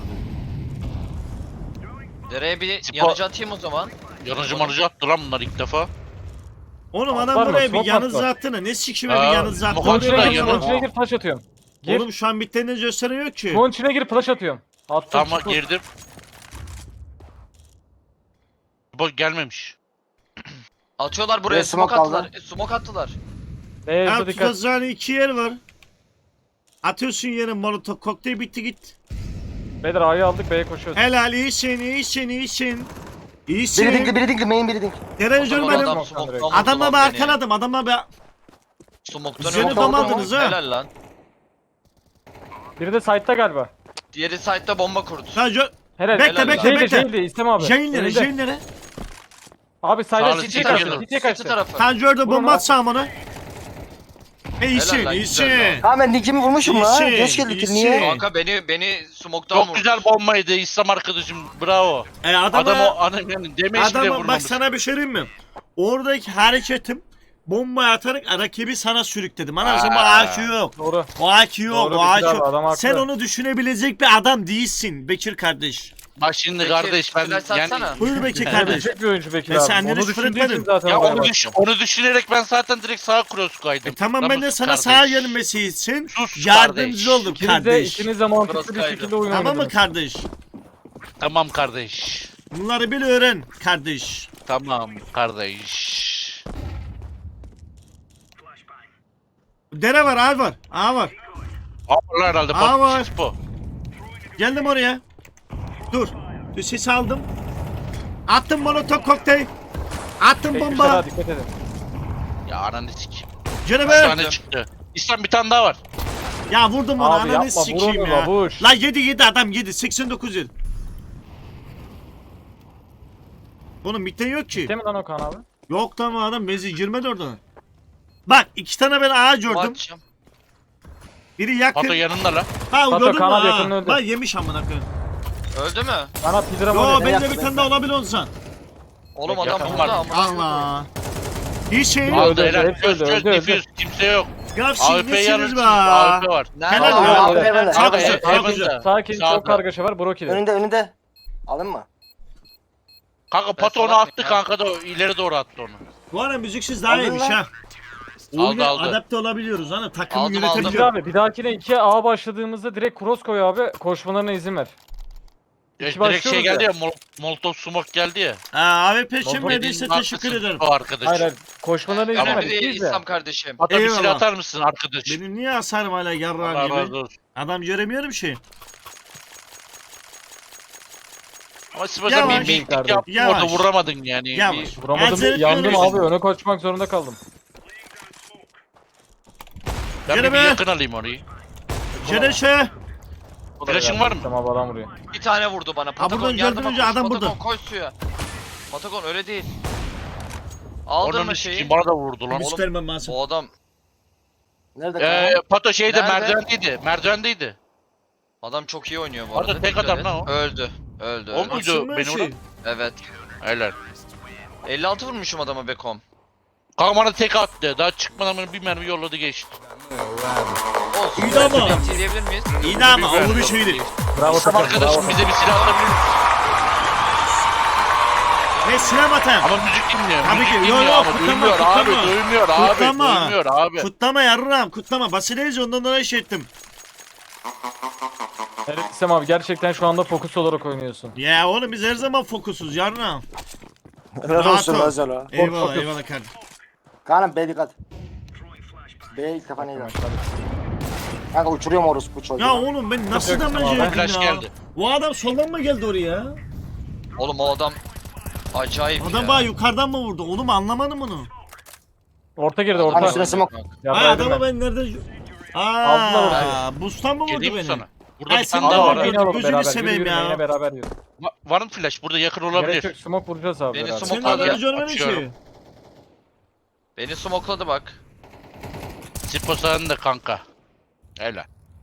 [SPEAKER 4] Dereye bir
[SPEAKER 3] Spor-
[SPEAKER 4] yanıcı atayım o zaman.
[SPEAKER 3] Yanıcı manıcı attı lan bunlar ilk defa.
[SPEAKER 2] Oğlum
[SPEAKER 6] Var
[SPEAKER 2] adam
[SPEAKER 6] mı?
[SPEAKER 2] buraya bir
[SPEAKER 6] Smoke
[SPEAKER 2] yanız
[SPEAKER 6] var.
[SPEAKER 2] attı ne sikime bir
[SPEAKER 3] Aa,
[SPEAKER 2] yanız attı.
[SPEAKER 3] smoke
[SPEAKER 2] Oraya
[SPEAKER 3] attı da
[SPEAKER 6] Smoke'un
[SPEAKER 2] bak.
[SPEAKER 3] yanı-
[SPEAKER 6] içine gir flash atıyorum. Gir.
[SPEAKER 2] Oğlum şu an bittiğini gösteren yok ki.
[SPEAKER 6] Smoke'un içine gir flash atıyorum. Attım.
[SPEAKER 3] Tamam
[SPEAKER 6] çıktı.
[SPEAKER 3] girdim. Bu gelmemiş.
[SPEAKER 4] Atıyorlar buraya
[SPEAKER 5] Buraya
[SPEAKER 4] smoke
[SPEAKER 5] smoke
[SPEAKER 4] attılar. Smoke attılar.
[SPEAKER 6] B'ye
[SPEAKER 2] Ya
[SPEAKER 6] dikkat.
[SPEAKER 2] tutacağın iki yer var. Atıyorsun yere molotof kokteyl bitti git.
[SPEAKER 6] Beyler A'yı aldık B'ye koşuyoruz.
[SPEAKER 2] Helal iyisin iyisin iyisin.
[SPEAKER 5] Biri
[SPEAKER 2] İyisin.
[SPEAKER 5] dinkli, biri dinkli, main biri dinkli.
[SPEAKER 2] Derece
[SPEAKER 4] O zaman
[SPEAKER 2] görmedim.
[SPEAKER 4] adam smoke'tan vurdu
[SPEAKER 2] Adamla
[SPEAKER 4] lan
[SPEAKER 2] bir
[SPEAKER 4] beni.
[SPEAKER 2] arkaladım adamla bir...
[SPEAKER 4] Smoke'tan
[SPEAKER 2] Seni
[SPEAKER 4] vurdu.
[SPEAKER 2] damadınız ha.
[SPEAKER 4] Helal lan.
[SPEAKER 6] Biri de side'da galiba.
[SPEAKER 4] Diğeri site'da bomba kurdu.
[SPEAKER 2] Sadece...
[SPEAKER 6] Helal.
[SPEAKER 2] Bekle,
[SPEAKER 4] Helal
[SPEAKER 2] bekle,
[SPEAKER 4] lan.
[SPEAKER 2] bekle.
[SPEAKER 6] Şeydi İstem abi.
[SPEAKER 2] Jainlere
[SPEAKER 6] Önünde.
[SPEAKER 2] Jainlere.
[SPEAKER 6] Abi side'da
[SPEAKER 3] Sağlı,
[SPEAKER 6] City'ye
[SPEAKER 3] City
[SPEAKER 6] kaçtı.
[SPEAKER 3] geliyor.
[SPEAKER 6] City'ye
[SPEAKER 4] City
[SPEAKER 6] kaçtı.
[SPEAKER 4] tarafı.
[SPEAKER 2] Tanjör'de
[SPEAKER 6] Vurun
[SPEAKER 2] bomba
[SPEAKER 6] lan.
[SPEAKER 2] atsam onu. İyisin
[SPEAKER 4] Helal lan,
[SPEAKER 2] iyisin.
[SPEAKER 4] güzel lan.
[SPEAKER 5] Ha ben dinkimi vurmuşum la.
[SPEAKER 2] İyisin,
[SPEAKER 5] Geç geldik
[SPEAKER 2] iyisin.
[SPEAKER 5] niye?
[SPEAKER 4] Kanka beni smoke'tan
[SPEAKER 3] Çok
[SPEAKER 4] vurdu.
[SPEAKER 3] güzel bombaydı İslam arkadaşım. Bravo.
[SPEAKER 2] Adama,
[SPEAKER 3] Adam o adam yani demeç bile
[SPEAKER 2] adama bak
[SPEAKER 3] vurmamış.
[SPEAKER 2] sana bir şey diyeyim mi? Oradaki hareketim bomba atarak rakibi sana sürükledim. Anasını bu
[SPEAKER 3] Aa.
[SPEAKER 2] AQ yok.
[SPEAKER 6] Doğru.
[SPEAKER 2] O AQ yok.
[SPEAKER 6] Doğru,
[SPEAKER 2] O
[SPEAKER 6] Bekir
[SPEAKER 2] AQ
[SPEAKER 6] abi, adam
[SPEAKER 2] yok.
[SPEAKER 6] haklı.
[SPEAKER 2] Sen onu düşünebilecek bir adam değilsin Bekir kardeş.
[SPEAKER 3] Bak şimdi
[SPEAKER 4] Peki,
[SPEAKER 3] kardeş ben
[SPEAKER 4] flash
[SPEAKER 3] yani
[SPEAKER 4] atsana.
[SPEAKER 2] Buyur Bekir kardeş.
[SPEAKER 6] Gelecek bir oyuncu Bekir
[SPEAKER 2] Ben
[SPEAKER 6] abi.
[SPEAKER 2] senden
[SPEAKER 6] Onu
[SPEAKER 2] hiç
[SPEAKER 6] düşündüğü
[SPEAKER 2] fırlatmadım.
[SPEAKER 6] için zaten
[SPEAKER 3] ya
[SPEAKER 6] oraya
[SPEAKER 3] onu,
[SPEAKER 6] baktım.
[SPEAKER 3] onu düşünerek ben zaten direkt sağa cross kaydım.
[SPEAKER 2] Tamam ben de
[SPEAKER 3] Namus
[SPEAKER 2] sana
[SPEAKER 3] kardeş.
[SPEAKER 2] sağa gelmesi için
[SPEAKER 3] Sus
[SPEAKER 2] yardımcı
[SPEAKER 3] kardeş.
[SPEAKER 2] oldum
[SPEAKER 6] İkiniz de,
[SPEAKER 2] kardeş.
[SPEAKER 6] ikiniz de mantıklı
[SPEAKER 4] Burası
[SPEAKER 6] bir
[SPEAKER 4] kaydı.
[SPEAKER 6] şekilde oyun
[SPEAKER 2] Tamam mı
[SPEAKER 6] oynadınız.
[SPEAKER 2] kardeş?
[SPEAKER 3] Tamam kardeş.
[SPEAKER 2] Bunları bil öğren kardeş.
[SPEAKER 3] Tamam kardeş.
[SPEAKER 2] Dere var, A var. A var.
[SPEAKER 3] Allah herhalde
[SPEAKER 2] Aa, var.
[SPEAKER 3] bak bu.
[SPEAKER 2] Geldim oraya. Dur. Dur ses aldım. Attım molotov kokteyl. Attım
[SPEAKER 6] Bekir
[SPEAKER 2] bomba.
[SPEAKER 6] Serra, dikkat edin.
[SPEAKER 3] Ya ananı sikeyim.
[SPEAKER 2] Canım
[SPEAKER 3] Bir
[SPEAKER 2] be.
[SPEAKER 3] tane çıktı. İslam bir tane daha var.
[SPEAKER 2] Ya vurdum onu
[SPEAKER 6] Abi
[SPEAKER 2] ananı
[SPEAKER 6] yapma,
[SPEAKER 2] sikeyim
[SPEAKER 6] vur
[SPEAKER 2] ya.
[SPEAKER 6] onu, babuş.
[SPEAKER 2] La 7 adam 7 89 yıl. Oğlum bitten yok ki.
[SPEAKER 6] Değil mi lan Okan abi?
[SPEAKER 2] Yok tamam adam benzin girmedi oradan. Bak 2 tane ben ağa gördüm.
[SPEAKER 4] Atacağım.
[SPEAKER 2] Biri yakın.
[SPEAKER 3] Pato yanında lan.
[SPEAKER 2] Ha
[SPEAKER 6] Pato,
[SPEAKER 2] gördün mü?
[SPEAKER 6] kanat
[SPEAKER 2] Ha.
[SPEAKER 6] yakın öldü.
[SPEAKER 2] Lan yemiş amına koyayım.
[SPEAKER 4] Öldü mü?
[SPEAKER 6] Bana pidra
[SPEAKER 2] Yo
[SPEAKER 6] var ya.
[SPEAKER 2] benim de bir tane daha olabilir olsan.
[SPEAKER 4] Oğlum adam
[SPEAKER 3] Yakın
[SPEAKER 4] burada
[SPEAKER 3] var.
[SPEAKER 4] ama.
[SPEAKER 2] Allah. Bir şey
[SPEAKER 6] Öldü,
[SPEAKER 3] Aldı
[SPEAKER 6] öldü,
[SPEAKER 3] helal.
[SPEAKER 6] hepsi
[SPEAKER 3] Çöz
[SPEAKER 6] öldü,
[SPEAKER 3] çöz
[SPEAKER 6] öldü,
[SPEAKER 3] difüz. Kimse yok.
[SPEAKER 2] Ya
[SPEAKER 3] AWP
[SPEAKER 2] silmişsiniz
[SPEAKER 3] yanırsınız.
[SPEAKER 2] be.
[SPEAKER 3] AWP var.
[SPEAKER 4] Nerede?
[SPEAKER 2] Helal
[SPEAKER 5] Abi,
[SPEAKER 2] ya.
[SPEAKER 5] abi, evet.
[SPEAKER 2] Çok
[SPEAKER 3] Abi,
[SPEAKER 2] güzel, çok
[SPEAKER 3] Heaven'da.
[SPEAKER 2] güzel.
[SPEAKER 6] Sakin,
[SPEAKER 3] Sağda.
[SPEAKER 6] çok kargaşa var. Broki'de.
[SPEAKER 5] Önünde. Alın mı?
[SPEAKER 3] Kanka Pato onu
[SPEAKER 4] salak
[SPEAKER 3] attı
[SPEAKER 4] ya.
[SPEAKER 3] kanka da ileri doğru attı onu.
[SPEAKER 2] Bu ara müziksiz daha
[SPEAKER 5] Aldın
[SPEAKER 2] iyiymiş
[SPEAKER 5] lan.
[SPEAKER 2] ha. Oyuna
[SPEAKER 3] aldı.
[SPEAKER 2] adapte olabiliyoruz hani takımı
[SPEAKER 4] Aldım,
[SPEAKER 6] Pidra
[SPEAKER 2] yönetebiliyoruz.
[SPEAKER 6] abi bir dahakine 2A başladığımızda direkt cross koy abi. Koşmalarına izin ver.
[SPEAKER 3] Direkt şey
[SPEAKER 6] başlıyoruz
[SPEAKER 3] geldi
[SPEAKER 6] ya.
[SPEAKER 3] ya. Molotov smoke geldi ya.
[SPEAKER 2] AWP için
[SPEAKER 6] Baba,
[SPEAKER 2] verdiyse
[SPEAKER 3] Bildiğin
[SPEAKER 2] teşekkür
[SPEAKER 3] arkasın
[SPEAKER 2] ederim.
[SPEAKER 3] O arkadaş.
[SPEAKER 6] Hayır hayır. Koşmalarına izin
[SPEAKER 3] Tamam.
[SPEAKER 6] ver.
[SPEAKER 4] Önemli değil
[SPEAKER 6] İkiyiz de.
[SPEAKER 4] İslam kardeşim.
[SPEAKER 3] Pato bir
[SPEAKER 2] Eyvallah.
[SPEAKER 3] silah atar mısın arkadaş?
[SPEAKER 2] Benim niye hasarım hala
[SPEAKER 3] Allah
[SPEAKER 2] yarrağım
[SPEAKER 3] razı
[SPEAKER 2] gibi?
[SPEAKER 3] olsun.
[SPEAKER 2] Adam göremiyorum şey.
[SPEAKER 3] Ama Sibel'den
[SPEAKER 2] Yavaş.
[SPEAKER 3] bir mektik
[SPEAKER 6] Yavaş.
[SPEAKER 3] yaptım orada
[SPEAKER 2] Yavaş.
[SPEAKER 3] vuramadın yani.
[SPEAKER 2] Yavaş.
[SPEAKER 3] Bir-
[SPEAKER 6] Vuramadım.
[SPEAKER 2] Acele
[SPEAKER 6] Yandım
[SPEAKER 2] etmiyorum.
[SPEAKER 6] abi. Öne koşmak zorunda kaldım.
[SPEAKER 3] Ben
[SPEAKER 2] Gene
[SPEAKER 3] bir
[SPEAKER 2] be.
[SPEAKER 3] yakın alayım orayı.
[SPEAKER 2] Cereşe.
[SPEAKER 3] Flash'ın var mı?
[SPEAKER 6] Tamam adam vuruyor.
[SPEAKER 4] Bir tane vurdu bana. Patagon
[SPEAKER 2] buradan
[SPEAKER 4] yardıma
[SPEAKER 2] gördün önce
[SPEAKER 4] koş.
[SPEAKER 2] adam
[SPEAKER 4] Patagon
[SPEAKER 2] burada.
[SPEAKER 4] koş suya. Patagon öyle değil.
[SPEAKER 3] Onun
[SPEAKER 4] Aldırma
[SPEAKER 3] sikeyim
[SPEAKER 4] şeyi.
[SPEAKER 3] bana da vurdu lan.
[SPEAKER 2] Göstermem lazım.
[SPEAKER 4] O adam
[SPEAKER 5] Nerede kanka?
[SPEAKER 3] Pato şeyde
[SPEAKER 4] Nerede?
[SPEAKER 3] merdivendeydi. Merdivendeydi.
[SPEAKER 4] adam çok iyi oynuyor bu
[SPEAKER 3] Orada
[SPEAKER 4] arada.
[SPEAKER 3] tek
[SPEAKER 4] dikkat
[SPEAKER 3] adam
[SPEAKER 4] et.
[SPEAKER 3] lan o.
[SPEAKER 4] Öldü. Öldü.
[SPEAKER 3] O
[SPEAKER 4] öldü.
[SPEAKER 3] muydu
[SPEAKER 2] Açılmıyor
[SPEAKER 3] beni
[SPEAKER 2] şey.
[SPEAKER 3] vuran?
[SPEAKER 4] Evet.
[SPEAKER 3] Helal.
[SPEAKER 4] 56 vurmuşum adama Bekom.
[SPEAKER 3] Kanka bana tek attı. Daha çıkmadan bana bir mermi yolladı geçti.
[SPEAKER 4] Olsun.
[SPEAKER 2] İyi de ama.
[SPEAKER 4] Bitti diyebilir miyiz?
[SPEAKER 2] İyi de ama o bir şeydi.
[SPEAKER 6] Bravo
[SPEAKER 3] Tam
[SPEAKER 6] takım.
[SPEAKER 3] arkadaşım
[SPEAKER 6] Bravo.
[SPEAKER 3] bize bir silah atabilir misin?
[SPEAKER 2] Ve silah atayım.
[SPEAKER 3] Ama müzik dinliyor.
[SPEAKER 2] Tabii
[SPEAKER 3] müzik
[SPEAKER 2] ki. Yo,
[SPEAKER 3] dinliyor
[SPEAKER 2] yo,
[SPEAKER 3] ama
[SPEAKER 2] kutlama,
[SPEAKER 3] duymuyor abi.
[SPEAKER 2] kutlama.
[SPEAKER 3] Duymuyor abi.
[SPEAKER 2] Kutlama.
[SPEAKER 3] Duymuyor abi.
[SPEAKER 2] Kutlama yarrağım kutlama. Basileyiz ondan dolayı şey ettim.
[SPEAKER 6] Evet İslam abi gerçekten şu anda fokus olarak oynuyorsun.
[SPEAKER 2] Ya oğlum biz her zaman fokusuz yarrağım.
[SPEAKER 5] Helal olsun
[SPEAKER 2] rahat ol.
[SPEAKER 5] özel o.
[SPEAKER 2] Eyvallah
[SPEAKER 6] fokus.
[SPEAKER 2] eyvallah kardeşim.
[SPEAKER 5] Kaan'ım B dikkat. B ilk defa neydi? Kanka uçuruyorum orospu çocuğu.
[SPEAKER 2] Ya oğlum ben nasıl
[SPEAKER 6] Yok,
[SPEAKER 2] damage
[SPEAKER 6] tamam,
[SPEAKER 2] yedim
[SPEAKER 3] flash
[SPEAKER 2] ya?
[SPEAKER 3] geldi.
[SPEAKER 2] Bu adam soldan mı geldi oraya?
[SPEAKER 4] Oğlum o adam acayip
[SPEAKER 2] Adam
[SPEAKER 4] ya.
[SPEAKER 2] bana yukarıdan mı vurdu? Oğlum anlamadım bunu.
[SPEAKER 6] Orta girdi
[SPEAKER 5] Hani
[SPEAKER 6] orta.
[SPEAKER 5] üstüne smoke.
[SPEAKER 6] Ya
[SPEAKER 2] Ay
[SPEAKER 6] verdim
[SPEAKER 2] adamı
[SPEAKER 6] ben.
[SPEAKER 2] ben nerede...
[SPEAKER 6] Aldılar
[SPEAKER 2] Aaa boost'tan mı vurdu
[SPEAKER 3] Geleyim mi
[SPEAKER 2] beni?
[SPEAKER 3] sana? Burada
[SPEAKER 2] Ay,
[SPEAKER 3] bir
[SPEAKER 2] sen
[SPEAKER 3] tane
[SPEAKER 2] de
[SPEAKER 3] daha
[SPEAKER 2] var.
[SPEAKER 3] var.
[SPEAKER 6] Yine alalım
[SPEAKER 2] Gözünü
[SPEAKER 6] beraber.
[SPEAKER 2] seveyim
[SPEAKER 6] Yürü,
[SPEAKER 2] ya.
[SPEAKER 6] yine beraber yürü.
[SPEAKER 3] Var mı flash? Burada yakın
[SPEAKER 6] Gerek yok
[SPEAKER 3] olabilir.
[SPEAKER 6] smoke vuracağız abi
[SPEAKER 4] Beni
[SPEAKER 6] beraber.
[SPEAKER 4] smoke-
[SPEAKER 2] Senin
[SPEAKER 4] Hadi
[SPEAKER 2] adamı
[SPEAKER 4] ya,
[SPEAKER 2] görmedim
[SPEAKER 3] açıyorum.
[SPEAKER 2] ki.
[SPEAKER 4] Beni smokladı bak.
[SPEAKER 3] Sipo sen de kanka. Helal.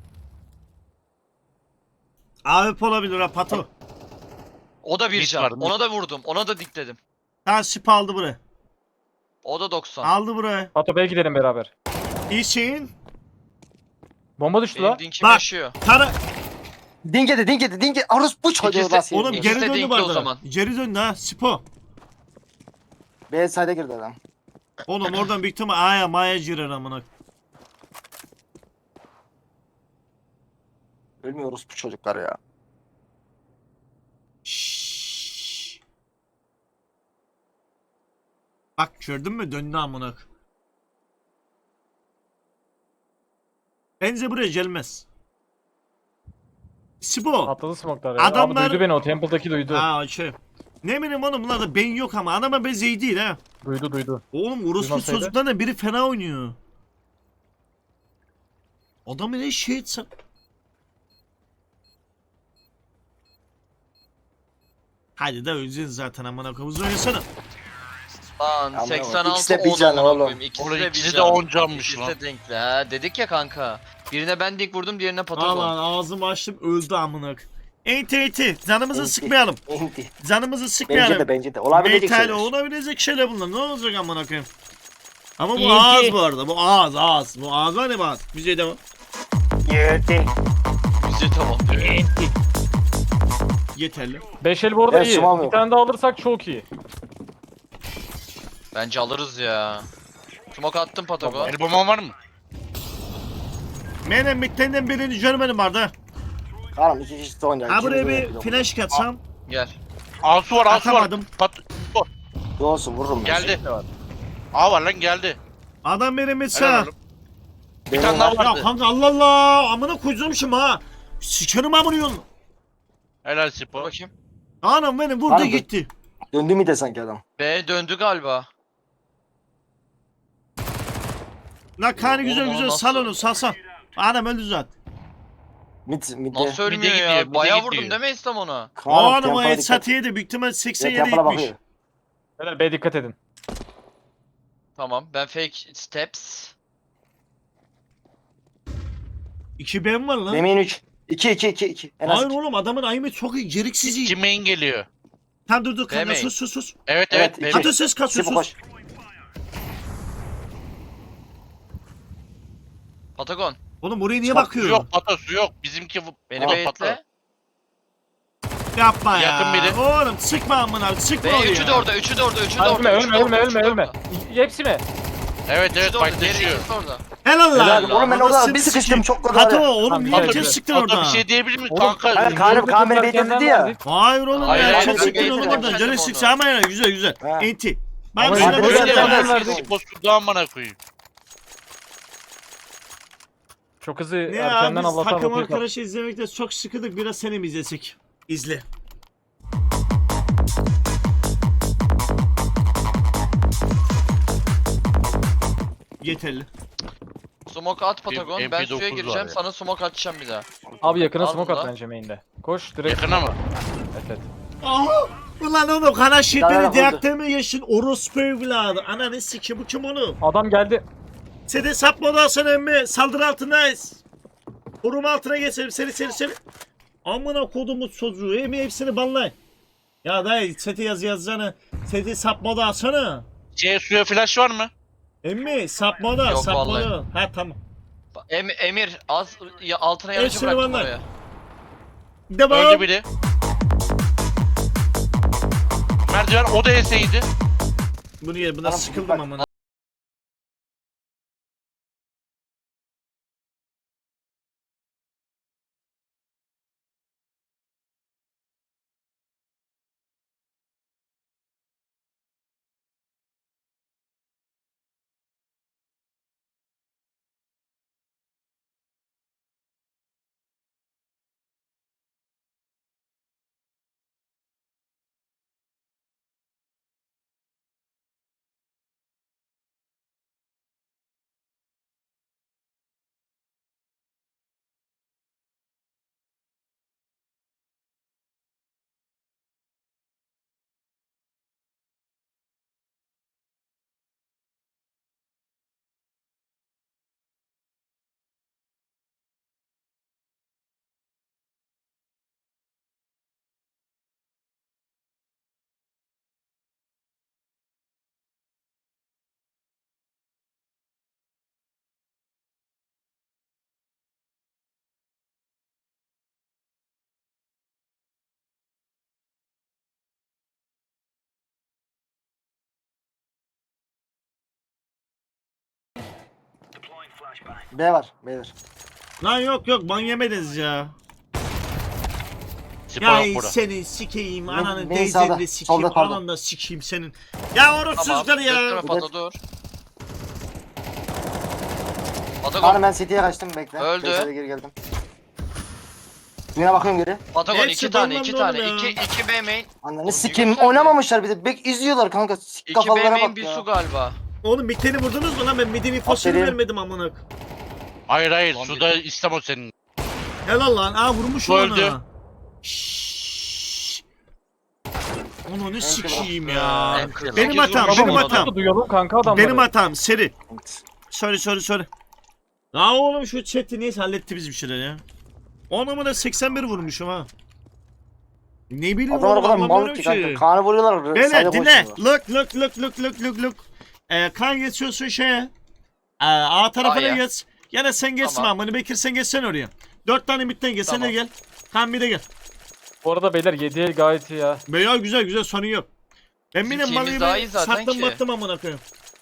[SPEAKER 2] AWP olabilir ha pato.
[SPEAKER 4] O da bir
[SPEAKER 3] Mid
[SPEAKER 4] can.
[SPEAKER 3] var, mid.
[SPEAKER 4] Ona da vurdum. Ona da dikledim.
[SPEAKER 2] Ha sip aldı buraya.
[SPEAKER 4] O da 90.
[SPEAKER 2] Aldı buraya.
[SPEAKER 6] Pato B'ye gidelim beraber.
[SPEAKER 2] İyisin.
[SPEAKER 6] Bomba düştü
[SPEAKER 4] Benim
[SPEAKER 6] la.
[SPEAKER 4] dinkim
[SPEAKER 2] Bak.
[SPEAKER 4] yaşıyor.
[SPEAKER 2] Tara...
[SPEAKER 5] Dinge. Orospu çocuğu
[SPEAKER 4] İkisi-
[SPEAKER 5] nasıl
[SPEAKER 2] Oğlum
[SPEAKER 5] yedi?
[SPEAKER 2] geri
[SPEAKER 4] İkisi de
[SPEAKER 2] döndü
[SPEAKER 4] dinkli
[SPEAKER 2] bu
[SPEAKER 4] o
[SPEAKER 2] arada.
[SPEAKER 4] zaman.
[SPEAKER 2] Geri döndü ha Sipo.
[SPEAKER 5] B side'e girdi adam.
[SPEAKER 2] Oğlum oradan büyük ihtimal A'ya Ma'ya girer amına.
[SPEAKER 5] Ölmüyor orospu çocuklar ya.
[SPEAKER 2] Şşş. Bak gördün mü döndü amına. Bence buraya gelmez. Sipo.
[SPEAKER 6] Atladı smoke'lar ya.
[SPEAKER 2] Adamlar-
[SPEAKER 6] Abi duydu beni o Temple'daki duydu.
[SPEAKER 2] Aa şey. Ne bileyim oğlum bunlarda beyin yok ama adama bez iyi değil ha.
[SPEAKER 6] Duydu.
[SPEAKER 2] Oğlum orospu
[SPEAKER 6] Duymasaydı.
[SPEAKER 2] çocuklarla biri fena oynuyor. Adamı ne şey etsen. Hadi de öleceğiz zaten amına koyayım. Hızlı oynasana.
[SPEAKER 4] Lan
[SPEAKER 5] Ama
[SPEAKER 4] 86
[SPEAKER 5] ikisi de
[SPEAKER 4] 10
[SPEAKER 5] bir can
[SPEAKER 4] amına
[SPEAKER 5] oğlum.
[SPEAKER 4] koyayım. İkisi
[SPEAKER 3] Oğlum
[SPEAKER 4] de
[SPEAKER 3] ikisi
[SPEAKER 4] bir
[SPEAKER 3] de
[SPEAKER 4] can.
[SPEAKER 3] 10 canmış
[SPEAKER 4] İkisi
[SPEAKER 3] lan.
[SPEAKER 4] de denkli ha. Dedik ya kanka. Birine ben dik vurdum diğerine
[SPEAKER 2] Aman
[SPEAKER 4] Patagon.
[SPEAKER 2] ağzımı açtım öldü amına. Enti canımızı
[SPEAKER 5] Enti.
[SPEAKER 2] sıkmayalım.
[SPEAKER 5] Enti.
[SPEAKER 2] Canımızı sıkmayalım.
[SPEAKER 5] Bence de. Olabilecek
[SPEAKER 2] Metal
[SPEAKER 5] şeyler.
[SPEAKER 2] olabilecek şeyler bunlar. Ne olacak amına koyayım? Ama bu
[SPEAKER 7] İyi
[SPEAKER 2] ağız
[SPEAKER 7] ki-
[SPEAKER 2] bu arada. Bu ağız. Bu ağız var ya bu ağız. Bize devam.
[SPEAKER 5] Yedi.
[SPEAKER 4] Bize tamam diyor.
[SPEAKER 2] Yeterli.
[SPEAKER 6] 5 el bu arada
[SPEAKER 5] Evet,
[SPEAKER 6] iyi.
[SPEAKER 5] smoke
[SPEAKER 6] Bir
[SPEAKER 5] yok.
[SPEAKER 6] tane daha alırsak çok iyi.
[SPEAKER 4] Bence alırız ya. Smoke attım Patagon.
[SPEAKER 3] El bomban var mı?
[SPEAKER 2] Benim bittenden birini görmedim vardı.
[SPEAKER 5] Kaan'ım 2 kişi de oynayacak.
[SPEAKER 2] Ha buraya
[SPEAKER 5] İkimiz de
[SPEAKER 2] bir flash katsam.
[SPEAKER 4] Gel.
[SPEAKER 3] Asu var.
[SPEAKER 2] Atamadım.
[SPEAKER 5] Olsun vururum ben.
[SPEAKER 3] Geldi. A var lan geldi.
[SPEAKER 2] Adam benim
[SPEAKER 3] Helal
[SPEAKER 2] mesela.
[SPEAKER 3] oğlum. Bir
[SPEAKER 5] Benim
[SPEAKER 3] tane
[SPEAKER 5] var.
[SPEAKER 3] daha
[SPEAKER 2] Ya
[SPEAKER 3] vardı.
[SPEAKER 2] kanka Allah Allah. Amına koyacağım şimdi ha. Sikerim amına yolunu.
[SPEAKER 3] Helal
[SPEAKER 4] Dur
[SPEAKER 3] Sipo.
[SPEAKER 4] bakayım.
[SPEAKER 2] Anam benim vurdu
[SPEAKER 5] Var mı?
[SPEAKER 2] gitti.
[SPEAKER 5] Döndü mü de sanki adam.
[SPEAKER 4] B döndü galiba.
[SPEAKER 2] La kanı güzel
[SPEAKER 4] Oğlum,
[SPEAKER 2] güzel
[SPEAKER 4] nasıl-
[SPEAKER 2] sal onu sal. Adam öldü zaten.
[SPEAKER 5] Mid.
[SPEAKER 4] Nasıl ölmüyor
[SPEAKER 3] gidiyor,
[SPEAKER 4] ya?
[SPEAKER 3] mide
[SPEAKER 4] Bayağı
[SPEAKER 3] gidiyor.
[SPEAKER 4] vurdum değil mi İslam ona?
[SPEAKER 2] Oğlum o headshot yedi. Büyük ihtimal 87
[SPEAKER 5] Temple'a
[SPEAKER 2] gitmiş.
[SPEAKER 5] bakıyor.
[SPEAKER 6] Beyler B dikkat edin.
[SPEAKER 4] Tamam ben fake steps.
[SPEAKER 2] 2 ben var lan.
[SPEAKER 5] Demin 3. 2. En az
[SPEAKER 2] Hayır
[SPEAKER 5] 2.
[SPEAKER 2] oğlum adamın ayımı çok iyi. Gereksiz iyi.
[SPEAKER 3] İki main geliyor.
[SPEAKER 2] Tamam dur kanka
[SPEAKER 4] Demeyin.
[SPEAKER 2] sus.
[SPEAKER 3] Evet
[SPEAKER 5] Evet,
[SPEAKER 3] evet.
[SPEAKER 5] iki.
[SPEAKER 2] Atın ses kasıyor
[SPEAKER 5] Sipo
[SPEAKER 2] sus.
[SPEAKER 5] koş.
[SPEAKER 4] Patagon.
[SPEAKER 2] Oğlum oraya niye
[SPEAKER 5] Bak,
[SPEAKER 3] Su
[SPEAKER 2] bakıyor?
[SPEAKER 3] yok patası yok. Bizimki
[SPEAKER 4] Beni
[SPEAKER 3] Tamam,
[SPEAKER 4] beyitle.
[SPEAKER 2] Yapma ya.
[SPEAKER 3] Yakın biri.
[SPEAKER 2] Oğlum sıkma amına sıkma
[SPEAKER 4] Ve
[SPEAKER 2] oraya.
[SPEAKER 4] üçü de orada, üçü de orada, üçü de
[SPEAKER 6] Ölme
[SPEAKER 4] orada. üçü de orada, üçü de
[SPEAKER 6] ölme.
[SPEAKER 4] orada.
[SPEAKER 6] Hepsi mi?
[SPEAKER 3] Evet
[SPEAKER 4] Üçü
[SPEAKER 3] evet
[SPEAKER 4] de orada, diğeri
[SPEAKER 3] paylaşıyor.
[SPEAKER 4] ikisi de orada.
[SPEAKER 2] Helal lan.
[SPEAKER 5] Helal. Oğlum ben orada
[SPEAKER 2] Anasını
[SPEAKER 5] bir sıkıştım
[SPEAKER 2] sikeyim.
[SPEAKER 5] çok kötü
[SPEAKER 2] Pato
[SPEAKER 5] var ya.
[SPEAKER 2] oğlum
[SPEAKER 6] Tamam,
[SPEAKER 2] niye
[SPEAKER 6] evet,
[SPEAKER 2] herkes
[SPEAKER 6] evet.
[SPEAKER 2] sıktın
[SPEAKER 3] Hatta
[SPEAKER 2] orada?
[SPEAKER 3] bir şey diyebilir miyim
[SPEAKER 6] Oğlum,
[SPEAKER 3] kanka?
[SPEAKER 5] Hayır Kaan beni bekledi ya.
[SPEAKER 2] Hayır oğlum
[SPEAKER 3] Hayır,
[SPEAKER 2] herkes
[SPEAKER 3] hayır,
[SPEAKER 2] sıktın
[SPEAKER 5] hayır,
[SPEAKER 2] oğlum
[SPEAKER 5] hayır,
[SPEAKER 2] oradan.
[SPEAKER 4] hayır,
[SPEAKER 2] Canı
[SPEAKER 4] hayır,
[SPEAKER 2] sıksa ama ya güzel.
[SPEAKER 5] Ha.
[SPEAKER 2] Enti. Ben
[SPEAKER 6] Ama
[SPEAKER 2] sana
[SPEAKER 6] işte
[SPEAKER 2] bir
[SPEAKER 6] böyle
[SPEAKER 2] şey
[SPEAKER 6] yerden
[SPEAKER 2] diyeyim.
[SPEAKER 6] verdik.
[SPEAKER 3] Postu amına koyayım.
[SPEAKER 6] Çok hızlı
[SPEAKER 2] Ne ya
[SPEAKER 6] erkenden
[SPEAKER 2] biz
[SPEAKER 6] Allah'tan
[SPEAKER 2] takım
[SPEAKER 6] bakıyor.
[SPEAKER 2] arkadaşı izlemekte çok sıkıldık. Biraz seni mi izlesek? İzle. Yeterli.
[SPEAKER 4] Smoke at Patagon, ben
[SPEAKER 3] MP9
[SPEAKER 4] suya
[SPEAKER 3] var
[SPEAKER 4] gireceğim,
[SPEAKER 3] ya.
[SPEAKER 4] sana smoke atacağım bir daha.
[SPEAKER 6] Abi yakına
[SPEAKER 4] Al
[SPEAKER 6] smoke at
[SPEAKER 4] bunu.
[SPEAKER 6] bence main'de. Koş direkt.
[SPEAKER 3] Yakına mı?
[SPEAKER 6] Evet.
[SPEAKER 2] Aha! Ulan oğlum kana
[SPEAKER 5] Daha
[SPEAKER 2] şirkleri
[SPEAKER 5] oldu.
[SPEAKER 2] diyakta mı yaşın orospu evladı? Ananı sikim bu kim oğlum?
[SPEAKER 6] Adam geldi.
[SPEAKER 2] Seni sapmadan sonra emmi saldırı altındayız. Koruma altına geçelim seni. Amına kodumu çocuğu emmi hepsini banlayın. Ya dayı seti yazacağını seti sapmada alsana.
[SPEAKER 3] Suya flash var mı?
[SPEAKER 2] Emmi sapmada
[SPEAKER 4] Yok
[SPEAKER 2] sapmada.
[SPEAKER 4] vallahi.
[SPEAKER 2] Ha tamam.
[SPEAKER 4] Emir, az altına yanıcı
[SPEAKER 2] Hepsini
[SPEAKER 4] bıraktım
[SPEAKER 2] banlar.
[SPEAKER 4] oraya.
[SPEAKER 2] Devam.
[SPEAKER 3] Öldü biri. Merdiven o da eseydi.
[SPEAKER 2] Bunu ye buna
[SPEAKER 5] Tamam,
[SPEAKER 2] sıkıldım
[SPEAKER 5] bak.
[SPEAKER 2] amına.
[SPEAKER 5] B var. Beyler.
[SPEAKER 2] Lan yok ban yemediniz ya.
[SPEAKER 3] Spor
[SPEAKER 2] Ya
[SPEAKER 3] yok burada.
[SPEAKER 2] senin sikeyim ananı
[SPEAKER 5] benim sağda,
[SPEAKER 2] teyzeni sikeyim
[SPEAKER 5] solda, pardon.
[SPEAKER 2] ananı da sikeyim senin. Ya orosuzlar
[SPEAKER 4] Tamam,
[SPEAKER 2] ya.
[SPEAKER 4] gösterme Pato dur.
[SPEAKER 5] Kaan
[SPEAKER 4] Patagon,
[SPEAKER 5] ben City'ye kaçtım bekle.
[SPEAKER 4] Öldü.
[SPEAKER 5] Base'e geri geldim. Yine bakıyorum geri.
[SPEAKER 4] Patagon
[SPEAKER 2] Hepsi
[SPEAKER 4] 2 tane, 2
[SPEAKER 2] banlandı
[SPEAKER 4] tane,
[SPEAKER 2] oğlum ya.
[SPEAKER 4] 2 B main.
[SPEAKER 5] Ananı sikeyim oynamamışlar bir de. Bek izliyorlar kanka. Sik
[SPEAKER 4] 2 B
[SPEAKER 5] kafalara
[SPEAKER 4] main
[SPEAKER 5] bak
[SPEAKER 4] bir
[SPEAKER 5] ya.
[SPEAKER 4] su galiba.
[SPEAKER 2] Oğlum miteni vurdunuz mu lan ben midin infosunu
[SPEAKER 5] Aferin.
[SPEAKER 2] vermedim amına.
[SPEAKER 3] Hayır
[SPEAKER 4] Ulan
[SPEAKER 3] suda İslam o senin.
[SPEAKER 2] Helal lan aa vurmuş
[SPEAKER 3] Öldü.
[SPEAKER 2] ona. Şşş. Onu ne sikeyim ya.
[SPEAKER 4] En kırk.
[SPEAKER 2] Benim hatam,
[SPEAKER 4] Tamam,
[SPEAKER 2] benim
[SPEAKER 4] o
[SPEAKER 2] hatam.
[SPEAKER 6] Da duyalım kanka adamları.
[SPEAKER 2] Benim hatam seri. Sorry. Ya oğlum şu chat'i neyse halletti bizim şeyler ya. Onu da 81 vurmuşum ha. Ne bileyim
[SPEAKER 5] Adamlar o
[SPEAKER 2] oğlum
[SPEAKER 5] kadar mal
[SPEAKER 2] anlamıyorum
[SPEAKER 5] ki
[SPEAKER 2] ki.
[SPEAKER 5] kanka. Kaan'ı vuruyorlar.
[SPEAKER 2] Beyler
[SPEAKER 5] sayda
[SPEAKER 2] dinle.
[SPEAKER 5] koşuyorlar.
[SPEAKER 2] Look. Kan geçiyorsun şeye. A tarafına
[SPEAKER 4] A'ya.
[SPEAKER 2] geç. Ya da sen geçsin
[SPEAKER 4] Tamam.
[SPEAKER 2] amını Bekir sen geçsen oraya. 4 tane midden gel sen de
[SPEAKER 4] Tamam.
[SPEAKER 2] gel. Kan bir de gel.
[SPEAKER 6] Bu arada beyler 7'ye gayet iyi ya.
[SPEAKER 2] Veya güzel sorun yok. Ben
[SPEAKER 4] Bizim
[SPEAKER 2] benim
[SPEAKER 4] team'imiz daha iyi
[SPEAKER 2] malıyı
[SPEAKER 4] zaten
[SPEAKER 2] sattım
[SPEAKER 4] ki.
[SPEAKER 2] battım amına koyayım.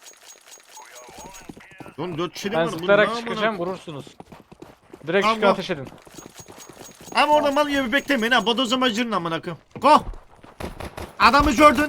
[SPEAKER 2] Oğlum 4 kişi
[SPEAKER 6] Ben
[SPEAKER 2] var. Bu ne
[SPEAKER 6] zıplayarak
[SPEAKER 2] amına
[SPEAKER 6] çıkacağım vurursunuz. Direkt
[SPEAKER 2] Tamam,
[SPEAKER 6] çıkın
[SPEAKER 2] go.
[SPEAKER 6] ateş edin.
[SPEAKER 2] Ama orada mal gibi beklemeyin ha. Bodozama girin amına koyayım. Go. Adamı gördün.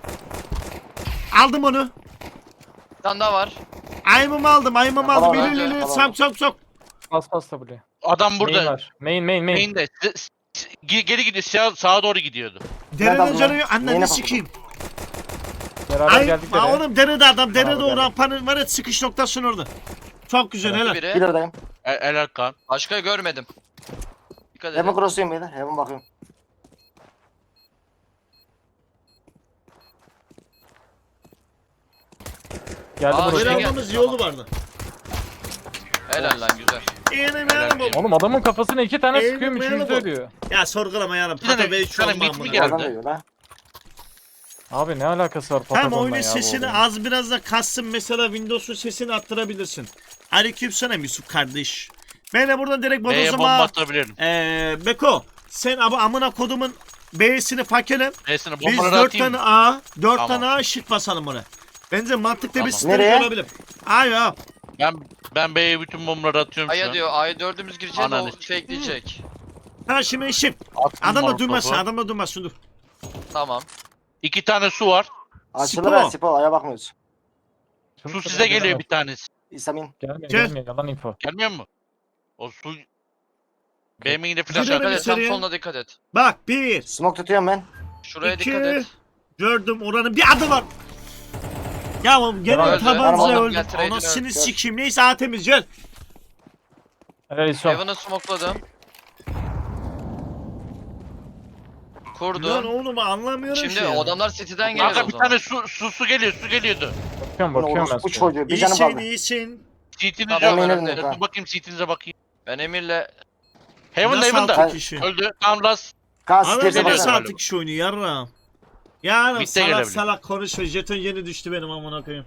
[SPEAKER 2] Aldım onu.
[SPEAKER 4] Bir tane daha var.
[SPEAKER 2] Aymımı aldım.
[SPEAKER 5] Tamam,
[SPEAKER 2] İli
[SPEAKER 5] tamam.
[SPEAKER 2] sok.
[SPEAKER 6] Bas W'ye.
[SPEAKER 3] Adam
[SPEAKER 6] Main
[SPEAKER 3] burada.
[SPEAKER 6] var. Main.
[SPEAKER 3] Main'de. Geri gidiyor. Sağa doğru gidiyordu.
[SPEAKER 2] Derenin
[SPEAKER 5] aldım
[SPEAKER 2] canı
[SPEAKER 5] lan?
[SPEAKER 2] yok.
[SPEAKER 5] Neyine
[SPEAKER 2] Anneni
[SPEAKER 5] bakın?
[SPEAKER 2] sikeyim.
[SPEAKER 6] Beraber
[SPEAKER 2] Ay
[SPEAKER 6] geldik
[SPEAKER 2] aa,
[SPEAKER 6] de.
[SPEAKER 2] oğlum derede adam. Derede
[SPEAKER 6] Bravo,
[SPEAKER 2] o
[SPEAKER 6] geldim.
[SPEAKER 2] rampanın var ya çıkış noktasının orada. Çok güzel helal.
[SPEAKER 4] Biri.
[SPEAKER 5] Bir oradayım.
[SPEAKER 3] Helal Kaan.
[SPEAKER 4] Başka görmedim. Dikkat
[SPEAKER 5] Heaven
[SPEAKER 4] edin.
[SPEAKER 5] cross'uyum beyler. Heaven bakıyorum.
[SPEAKER 6] Geldi
[SPEAKER 4] Aa,
[SPEAKER 6] buraya.
[SPEAKER 2] Böyle
[SPEAKER 4] şey
[SPEAKER 2] almamız
[SPEAKER 4] geldi.
[SPEAKER 2] yolu vardı.
[SPEAKER 4] Helal lan güzel.
[SPEAKER 2] Yeğenim
[SPEAKER 3] Helal
[SPEAKER 2] yanım
[SPEAKER 3] olsun.
[SPEAKER 2] bu.
[SPEAKER 6] Oğlum adamın kafasına 2 tane
[SPEAKER 2] Eğilim
[SPEAKER 6] sıkıyorum,
[SPEAKER 2] meyli
[SPEAKER 6] üçüncü
[SPEAKER 2] bu.
[SPEAKER 6] ölüyor.
[SPEAKER 2] Ya sorgulama yanım.
[SPEAKER 3] Bir tane-
[SPEAKER 2] Patagon
[SPEAKER 3] bir
[SPEAKER 2] şu
[SPEAKER 3] tane
[SPEAKER 2] an
[SPEAKER 3] mit mi
[SPEAKER 2] ben
[SPEAKER 3] geldi?
[SPEAKER 5] Oradan dövüyor lan.
[SPEAKER 6] Abi ne alakası var
[SPEAKER 2] Hem
[SPEAKER 6] Patagon'la
[SPEAKER 2] oyunun
[SPEAKER 6] ya bu
[SPEAKER 2] sesini
[SPEAKER 6] oğlum?
[SPEAKER 2] az biraz da kassın, mesela Windows'un sesini arttırabilirsin. Aleykümselam Yusuf kardeş. Ben de buradan direkt
[SPEAKER 3] B'ye bomba
[SPEAKER 2] bodozuma
[SPEAKER 3] atabilirim.
[SPEAKER 2] Beko sen amına kodumun B'sini fakelim.
[SPEAKER 3] B'sine
[SPEAKER 2] Biz
[SPEAKER 3] bombaları
[SPEAKER 2] 4
[SPEAKER 3] atayım.
[SPEAKER 2] tane A, 4
[SPEAKER 3] Tamam.
[SPEAKER 2] tane A şık basalım ona. Bence mantıklı bir
[SPEAKER 3] Tamam.
[SPEAKER 2] strateji
[SPEAKER 5] Nereye?
[SPEAKER 2] olabilir. Ay ya.
[SPEAKER 3] Ben B'ye bütün bombaları atıyorum şu
[SPEAKER 4] Aya
[SPEAKER 3] an.
[SPEAKER 4] diyor. Aya dördümüz gireceğiz.
[SPEAKER 3] Ananı
[SPEAKER 4] O fakeleyecek.
[SPEAKER 2] Ha şimdi şık.
[SPEAKER 3] Attım
[SPEAKER 2] Adam da
[SPEAKER 3] molotofu.
[SPEAKER 2] durmasın, adam da durmasın dur.
[SPEAKER 4] Tamam.
[SPEAKER 3] 2 tane su var.
[SPEAKER 5] Açılır
[SPEAKER 2] Sipo.
[SPEAKER 5] ha Sipo. Aya bakmıyoruz.
[SPEAKER 3] Su size geliyor bir tanesi.
[SPEAKER 5] İsamin.
[SPEAKER 6] Gelmiyor
[SPEAKER 2] Gel.
[SPEAKER 6] gelmiyor, yalan info.
[SPEAKER 3] Gelmiyor mu? O su... B'ye yine flash
[SPEAKER 2] Gidelim
[SPEAKER 4] Dikkat
[SPEAKER 3] at.
[SPEAKER 4] et. Tam
[SPEAKER 2] içeriye.
[SPEAKER 4] soluna dikkat et.
[SPEAKER 2] Bak 1,
[SPEAKER 5] Smoke tutuyorum ben.
[SPEAKER 4] Şuraya
[SPEAKER 2] 2,
[SPEAKER 4] dikkat et.
[SPEAKER 2] gördüm oranın bir adı var. Ya oğlum gene
[SPEAKER 6] Öldü.
[SPEAKER 2] tabanca
[SPEAKER 5] Tamam,
[SPEAKER 2] öldüm.
[SPEAKER 4] gel, trade'ini
[SPEAKER 2] Anasını
[SPEAKER 5] öldü.
[SPEAKER 2] sikeyim. Neyse A temiz gel.
[SPEAKER 6] Helal İso.
[SPEAKER 4] Heaven'ı smokeladım.
[SPEAKER 2] Lan
[SPEAKER 4] Kurdum.
[SPEAKER 2] oğlum anlamıyorum
[SPEAKER 4] Şimdi
[SPEAKER 2] şey ya.
[SPEAKER 4] adamlar city'den gelir
[SPEAKER 3] Kanka
[SPEAKER 4] o
[SPEAKER 3] bir
[SPEAKER 4] zaman.
[SPEAKER 3] tane su geliyor, su geliyordu.
[SPEAKER 6] Bakıyorum
[SPEAKER 5] Bunu
[SPEAKER 6] bakıyorum ben
[SPEAKER 5] orospu
[SPEAKER 6] sana.
[SPEAKER 5] çocuğu. Bir canım
[SPEAKER 2] İyisin
[SPEAKER 5] kaldı.
[SPEAKER 2] iyisin.
[SPEAKER 3] CT'niz
[SPEAKER 4] Tamam,
[SPEAKER 3] yok.
[SPEAKER 5] eminim yok,
[SPEAKER 3] Dur bakayım CT'nize bakayım.
[SPEAKER 4] Ben Emir'le
[SPEAKER 3] Heaven'da
[SPEAKER 2] Nasıl
[SPEAKER 3] Heaven'da.
[SPEAKER 2] altı kişi?
[SPEAKER 3] Öldü. Tam last.
[SPEAKER 5] Kas
[SPEAKER 2] Adam
[SPEAKER 5] isterse
[SPEAKER 3] geliyor
[SPEAKER 2] nasıl
[SPEAKER 5] baksana.
[SPEAKER 3] galiba.
[SPEAKER 2] altı kişi oynuyor yarram. Ya
[SPEAKER 3] Bitti
[SPEAKER 2] salak
[SPEAKER 3] gelebilir.
[SPEAKER 2] salak konuşuyor. Jeton yeni düştü benim amına koyayım.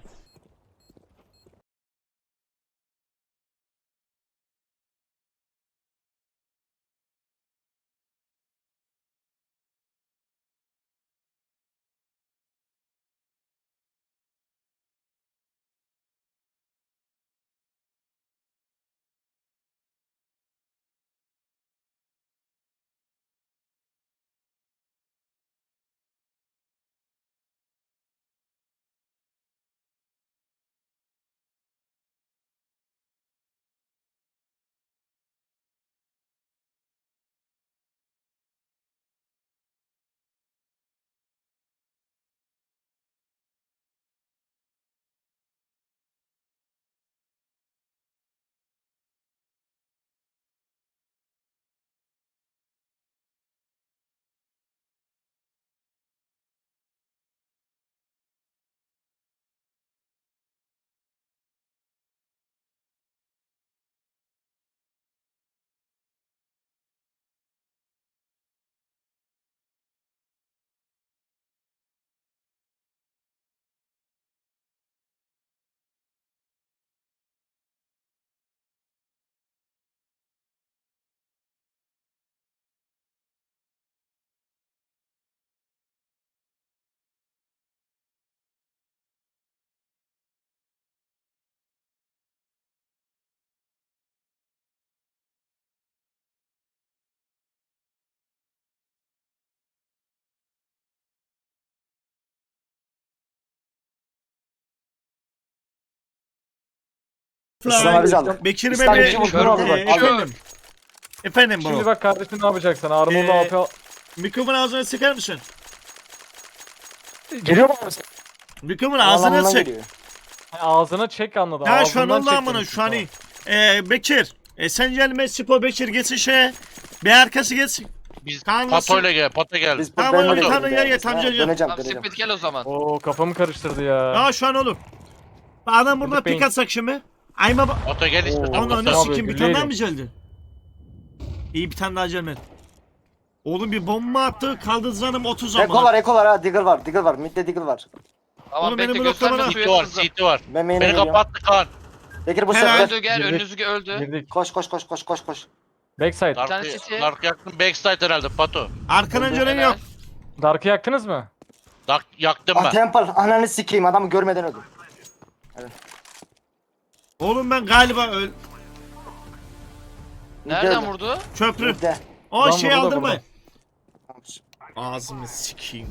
[SPEAKER 5] İslam abi aldık.
[SPEAKER 2] Bekir
[SPEAKER 5] İslam
[SPEAKER 2] Bey
[SPEAKER 5] bizi vurdu abi bak.
[SPEAKER 2] efendim. Efendim
[SPEAKER 6] Şimdi
[SPEAKER 2] bro.
[SPEAKER 6] bak kardeşim ne yapacaksın? Armor'da AP
[SPEAKER 2] Mikrofonu ağzına sıkar mısın?
[SPEAKER 5] Geliyor mu?
[SPEAKER 2] Mikrofonu ağzına
[SPEAKER 5] Anlamından
[SPEAKER 2] sık.
[SPEAKER 5] geliyor.
[SPEAKER 6] ağzına çek anladım.
[SPEAKER 2] Ya şu an
[SPEAKER 6] Ağzından
[SPEAKER 2] oldu
[SPEAKER 6] çek
[SPEAKER 2] amına
[SPEAKER 6] demiş
[SPEAKER 2] şu an
[SPEAKER 6] İso.
[SPEAKER 2] iyi. Bekir. Sen gelme Sipo Bekir geçsin şeye. Bir arkası geçsin.
[SPEAKER 3] Biz
[SPEAKER 2] Kaan
[SPEAKER 3] Pato'yla gel. Pato geldi.
[SPEAKER 5] Biz
[SPEAKER 2] Tamam,
[SPEAKER 5] ben
[SPEAKER 2] oğlum,
[SPEAKER 5] de
[SPEAKER 2] tamam,
[SPEAKER 5] döneceğim.
[SPEAKER 2] gel, tamam,
[SPEAKER 5] Ha,
[SPEAKER 2] gel, gel.
[SPEAKER 5] Döneceğim
[SPEAKER 4] Tamam
[SPEAKER 5] döneceğim.
[SPEAKER 4] Split gel o zaman.
[SPEAKER 6] Oo kafamı karıştırdı ya.
[SPEAKER 2] Ya şu an oğlum. Adam burada
[SPEAKER 6] Bekleyin.
[SPEAKER 2] pik atsak şimdi. Ayma bak.
[SPEAKER 3] Pato gel istiyorsan.
[SPEAKER 6] Oo.
[SPEAKER 2] Ana ne
[SPEAKER 3] Pato.
[SPEAKER 6] Tamam,
[SPEAKER 2] sikim bir tane daha mı geldi? İyi bir tane daha gelmedi. Oğlum bir bomba attı kaldı zanım 30
[SPEAKER 5] Eko
[SPEAKER 2] ama.
[SPEAKER 5] var Eko var ha. Digger var. Digger var. Midde Digger var.
[SPEAKER 4] Tamam
[SPEAKER 2] Oğlum,
[SPEAKER 4] bekle
[SPEAKER 2] benim
[SPEAKER 4] gösterme
[SPEAKER 2] bloklamana-
[SPEAKER 4] suya
[SPEAKER 3] CT var,
[SPEAKER 4] hızlı.
[SPEAKER 3] CT var.
[SPEAKER 5] Ben main'e
[SPEAKER 3] Beni
[SPEAKER 5] geliyorum.
[SPEAKER 3] kapattı Kaan.
[SPEAKER 5] Bekir bu
[SPEAKER 2] Helal.
[SPEAKER 5] sefer.
[SPEAKER 4] Öldü gel
[SPEAKER 6] Girdik.
[SPEAKER 4] önünüzü öldü.
[SPEAKER 6] Girdik.
[SPEAKER 5] Koş koş koş koş koş koş.
[SPEAKER 6] Backside.
[SPEAKER 4] tane
[SPEAKER 3] Dark,
[SPEAKER 4] CT.
[SPEAKER 3] Dark yaktım. Backside herhalde Pato.
[SPEAKER 2] Arkadan gelen
[SPEAKER 4] Helal.
[SPEAKER 2] yok.
[SPEAKER 6] Dark'ı yaktınız mı?
[SPEAKER 3] Dark yaktım
[SPEAKER 5] Ah
[SPEAKER 3] ben.
[SPEAKER 5] Temple ananı sikeyim adamı görmeden öldüm.
[SPEAKER 2] Oğlum ben galiba
[SPEAKER 4] Nereden vurdu?
[SPEAKER 2] köprü.
[SPEAKER 5] Midde.
[SPEAKER 2] O
[SPEAKER 6] Lan
[SPEAKER 2] şey
[SPEAKER 6] burada,
[SPEAKER 2] aldırmayın.
[SPEAKER 5] Tamam.
[SPEAKER 2] Ağzımı sikeyim.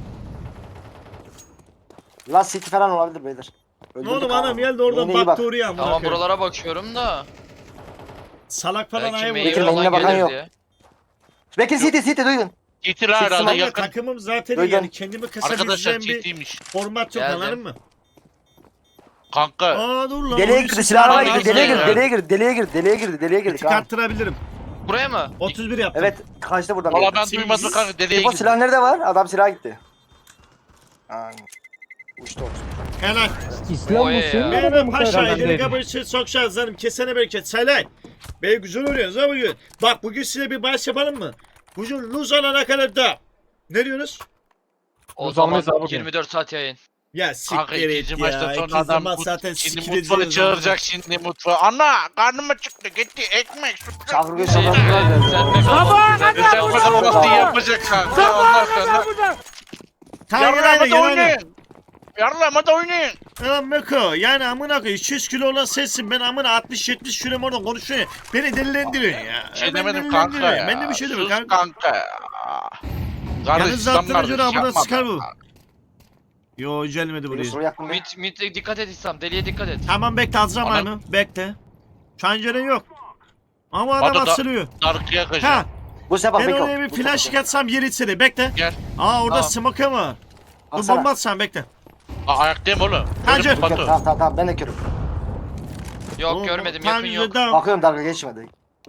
[SPEAKER 5] Last City falan olabilir beyler.
[SPEAKER 2] Ne
[SPEAKER 5] Öldürdük
[SPEAKER 2] oğlum
[SPEAKER 5] ha.
[SPEAKER 2] adam geldi oradan
[SPEAKER 5] Main'e iyi bak.
[SPEAKER 2] baktı oraya amına
[SPEAKER 4] Tamam
[SPEAKER 2] koyayım.
[SPEAKER 4] buralara bakıyorum da.
[SPEAKER 2] Salak falan
[SPEAKER 4] Belki
[SPEAKER 2] ayı
[SPEAKER 4] mail
[SPEAKER 5] Bekir,
[SPEAKER 2] vuruyor.
[SPEAKER 5] main'ine
[SPEAKER 4] olan
[SPEAKER 5] bakan
[SPEAKER 4] gelir
[SPEAKER 5] yok.
[SPEAKER 4] diye.
[SPEAKER 5] Bekir City duydun.
[SPEAKER 3] CT la herhalde
[SPEAKER 2] Ama
[SPEAKER 3] yakın.
[SPEAKER 2] takımım zaten iyi
[SPEAKER 5] Duydum.
[SPEAKER 2] yani kendimi
[SPEAKER 3] Arkadaşlar
[SPEAKER 2] kasabileceğim bir
[SPEAKER 3] CT'ymiş.
[SPEAKER 2] format yok
[SPEAKER 4] Geldim.
[SPEAKER 2] anladın mı?
[SPEAKER 3] Kanka
[SPEAKER 2] Aa dur lan.
[SPEAKER 5] Deliğe
[SPEAKER 2] oyun
[SPEAKER 5] girdi,
[SPEAKER 2] sesi
[SPEAKER 5] silahına
[SPEAKER 2] var.
[SPEAKER 5] girdi, deliğe girdi.
[SPEAKER 2] Tik
[SPEAKER 5] Kaan.
[SPEAKER 2] arttırabilirim.
[SPEAKER 4] Buraya mı?
[SPEAKER 2] 31 yaptım.
[SPEAKER 5] Evet, kaçtı buradan.
[SPEAKER 3] valla ben
[SPEAKER 2] Sekiz.
[SPEAKER 3] duymadım kanka deliye
[SPEAKER 5] Tipo
[SPEAKER 3] gitti.
[SPEAKER 5] silah nerede var? Adam silah gitti. Aa, uçtu olsun.
[SPEAKER 2] Helal.
[SPEAKER 8] İslam
[SPEAKER 4] Oy
[SPEAKER 8] mı
[SPEAKER 4] ya.
[SPEAKER 8] senin
[SPEAKER 2] Benim
[SPEAKER 8] adamın
[SPEAKER 2] paşa
[SPEAKER 8] herhalde.
[SPEAKER 2] ileri kabul için çok şanslarım. Kesene bereket. Selay. Bey güzel oluyorsunuz ha bugün. Bak bugün size bir bahis yapalım mı? Bugün luz alana kadar da. Ne diyorsunuz?
[SPEAKER 4] O
[SPEAKER 6] Biz
[SPEAKER 4] zaman
[SPEAKER 6] almayız abi bugün.
[SPEAKER 4] 24 saat yayın.
[SPEAKER 2] Ya
[SPEAKER 3] Kanka
[SPEAKER 2] siktir et
[SPEAKER 3] ikinci
[SPEAKER 2] ya.
[SPEAKER 3] maçta sonra
[SPEAKER 2] İkinci
[SPEAKER 3] adam
[SPEAKER 2] maç zaten
[SPEAKER 3] şimdi
[SPEAKER 2] siktir
[SPEAKER 3] mutfağı
[SPEAKER 2] ediyoruz.
[SPEAKER 3] çağıracak şimdi mutfağı. Ana karnıma çıktı gitti ekmek.
[SPEAKER 5] Çağır göğüs
[SPEAKER 4] Şey,
[SPEAKER 5] sokaklar
[SPEAKER 4] sen
[SPEAKER 5] geldi.
[SPEAKER 4] de
[SPEAKER 3] Sen bu kahvaltıyı yapacak kanka. Ondan sonra
[SPEAKER 2] Tamam
[SPEAKER 3] yarlama
[SPEAKER 2] gel
[SPEAKER 3] da
[SPEAKER 2] hadi.
[SPEAKER 3] oynayın. Yarlama da oynayın.
[SPEAKER 2] Tamam Meko yani amına koyayım 200 kilo olan sensin ben amına 60-70 kilo orada konuşuyorum. Beni delilendiriyorsun ya.
[SPEAKER 3] Şey
[SPEAKER 2] Ben
[SPEAKER 3] demedim kanka
[SPEAKER 2] delilendiriyorum.
[SPEAKER 3] ya.
[SPEAKER 2] Ben de bir şey demiyorum
[SPEAKER 3] Sus
[SPEAKER 2] kanka.
[SPEAKER 3] kanka. Kardeş
[SPEAKER 2] Yalnız
[SPEAKER 3] İslam
[SPEAKER 2] attığına
[SPEAKER 3] kardeş
[SPEAKER 2] göre amına
[SPEAKER 3] yapma
[SPEAKER 2] sıkar
[SPEAKER 3] be.
[SPEAKER 2] bu. Yo gelmedi buraya.
[SPEAKER 5] Soru yakın değil.
[SPEAKER 4] Mid'e dikkat et İslam. Deliye dikkat et.
[SPEAKER 2] Tamam bekle alacağım
[SPEAKER 3] Ana-
[SPEAKER 2] aynı. Bekle. Çanceren yok. Ama adam
[SPEAKER 3] Hadi da-
[SPEAKER 2] asılıyor.
[SPEAKER 3] Darkıya
[SPEAKER 2] Ha
[SPEAKER 3] kaçacağım.
[SPEAKER 5] Bu sefer
[SPEAKER 2] ben
[SPEAKER 5] Beko.
[SPEAKER 2] oraya bir flash atsam yer içeri bekle.
[SPEAKER 3] Gel.
[SPEAKER 2] Aa orada
[SPEAKER 4] Tamam.
[SPEAKER 2] smoke var. Dur
[SPEAKER 5] Atsana.
[SPEAKER 2] bomba atsam bekle.
[SPEAKER 3] Ayaktayım oğlum.
[SPEAKER 2] Hancı.
[SPEAKER 3] Ölüm Batu.
[SPEAKER 5] Tamam ben de körüm.
[SPEAKER 4] Yok görmedim yakın yok.
[SPEAKER 5] Bakıyorum dalga geçmedi.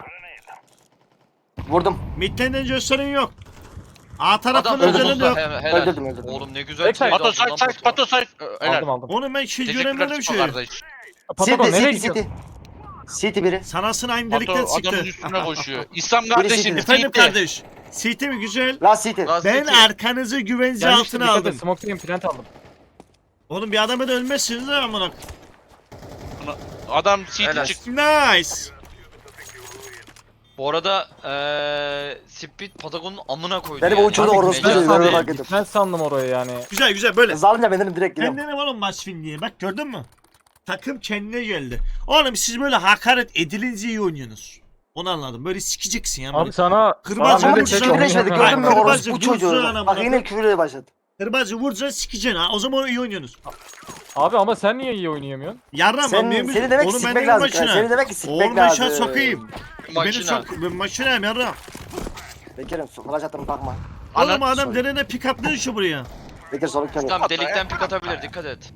[SPEAKER 5] Vurdum.
[SPEAKER 2] Midlenden gösterin yok. A tarafın
[SPEAKER 4] Adam
[SPEAKER 2] özelinde
[SPEAKER 4] öldürdü.
[SPEAKER 2] yok.
[SPEAKER 4] Helal.
[SPEAKER 5] Öldürdüm.
[SPEAKER 4] Oğlum ne güzel
[SPEAKER 6] Backside.
[SPEAKER 4] trade
[SPEAKER 3] Batu
[SPEAKER 4] aldın
[SPEAKER 3] say
[SPEAKER 4] lan
[SPEAKER 3] say
[SPEAKER 4] Batu.
[SPEAKER 3] Batu say. Helal.
[SPEAKER 6] Aldım.
[SPEAKER 2] Onu ben hiç
[SPEAKER 3] Teşekkürler
[SPEAKER 2] göremiyorum bir
[SPEAKER 3] Siko
[SPEAKER 2] şey.
[SPEAKER 3] kardeş.
[SPEAKER 6] Patagon
[SPEAKER 5] City,
[SPEAKER 6] nereye
[SPEAKER 5] City,
[SPEAKER 6] gidiyor?
[SPEAKER 5] City. City biri.
[SPEAKER 2] Sanasını aynı
[SPEAKER 3] Batu
[SPEAKER 2] delikten
[SPEAKER 3] adamın
[SPEAKER 2] çıktı.
[SPEAKER 3] üstüne koşuyor. İslam kardeşim.
[SPEAKER 5] Birisi-
[SPEAKER 2] Efendim
[SPEAKER 3] City.
[SPEAKER 2] kardeş. CT mi güzel?
[SPEAKER 5] Last City.
[SPEAKER 4] Last
[SPEAKER 2] Ben
[SPEAKER 4] City.
[SPEAKER 2] arkanızı güvence
[SPEAKER 6] Gelmişti,
[SPEAKER 2] altına
[SPEAKER 6] dikkat et.
[SPEAKER 2] aldım.
[SPEAKER 6] Smoke'dayım plant aldım.
[SPEAKER 2] Oğlum bir adama da ölmezsiniz ha amına.
[SPEAKER 3] Adam CT
[SPEAKER 4] Helal.
[SPEAKER 3] çıktı.
[SPEAKER 2] Nice.
[SPEAKER 4] Bu arada Speed Patagon'un amına koydu.
[SPEAKER 5] Beni bu
[SPEAKER 4] yani.
[SPEAKER 5] uçurdu
[SPEAKER 4] Abi,
[SPEAKER 5] orospu
[SPEAKER 4] mecaz
[SPEAKER 5] çocuğu,
[SPEAKER 4] tabii.
[SPEAKER 5] öyle fark ettim.
[SPEAKER 6] Ben sandım orayı yani.
[SPEAKER 2] Güzel güzel böyle.
[SPEAKER 5] Hızlı alınca ben dedim direkt
[SPEAKER 2] Ben
[SPEAKER 5] gidiyorum.
[SPEAKER 2] dedim oğlum maç film diye. Bak gördün mü? Takım kendine geldi. Oğlum siz böyle hakaret edilince iyi oynuyorsunuz. Onu anladım. Böyle sikeceksin ya.
[SPEAKER 6] Abi
[SPEAKER 2] Böyle.
[SPEAKER 6] sana...
[SPEAKER 2] Kırbacı
[SPEAKER 5] Adamı
[SPEAKER 2] vurdu,
[SPEAKER 5] küfür
[SPEAKER 2] sana
[SPEAKER 5] etmedi
[SPEAKER 2] oynayamam.
[SPEAKER 5] gördün mü
[SPEAKER 2] Kırbacı
[SPEAKER 5] orospu
[SPEAKER 2] vurdu
[SPEAKER 5] çocuğu.
[SPEAKER 2] sana
[SPEAKER 5] Bak
[SPEAKER 2] amına
[SPEAKER 5] yine küfürle başladı.
[SPEAKER 2] Kırbacı vuracaksın sikeceksin ha. O zaman iyi oynuyorsunuz.
[SPEAKER 6] Abi ama sen niye iyi oynayamıyorsun?
[SPEAKER 2] Yarram
[SPEAKER 5] Seni demek ki sikmek lazım. Seni demek ki sikmek
[SPEAKER 2] Oğlum ben
[SPEAKER 5] lazım.
[SPEAKER 2] şans sokayım. Beni
[SPEAKER 4] Makina.
[SPEAKER 2] çok... Ben makinayım yarram.
[SPEAKER 5] Bekir'im flash attım bakma.
[SPEAKER 2] Oğlum
[SPEAKER 3] Ana-
[SPEAKER 2] adam derene pick up ne işi buraya?
[SPEAKER 5] Bekir soluk körü.
[SPEAKER 4] Tamam delikten pik atabilir dikkat et.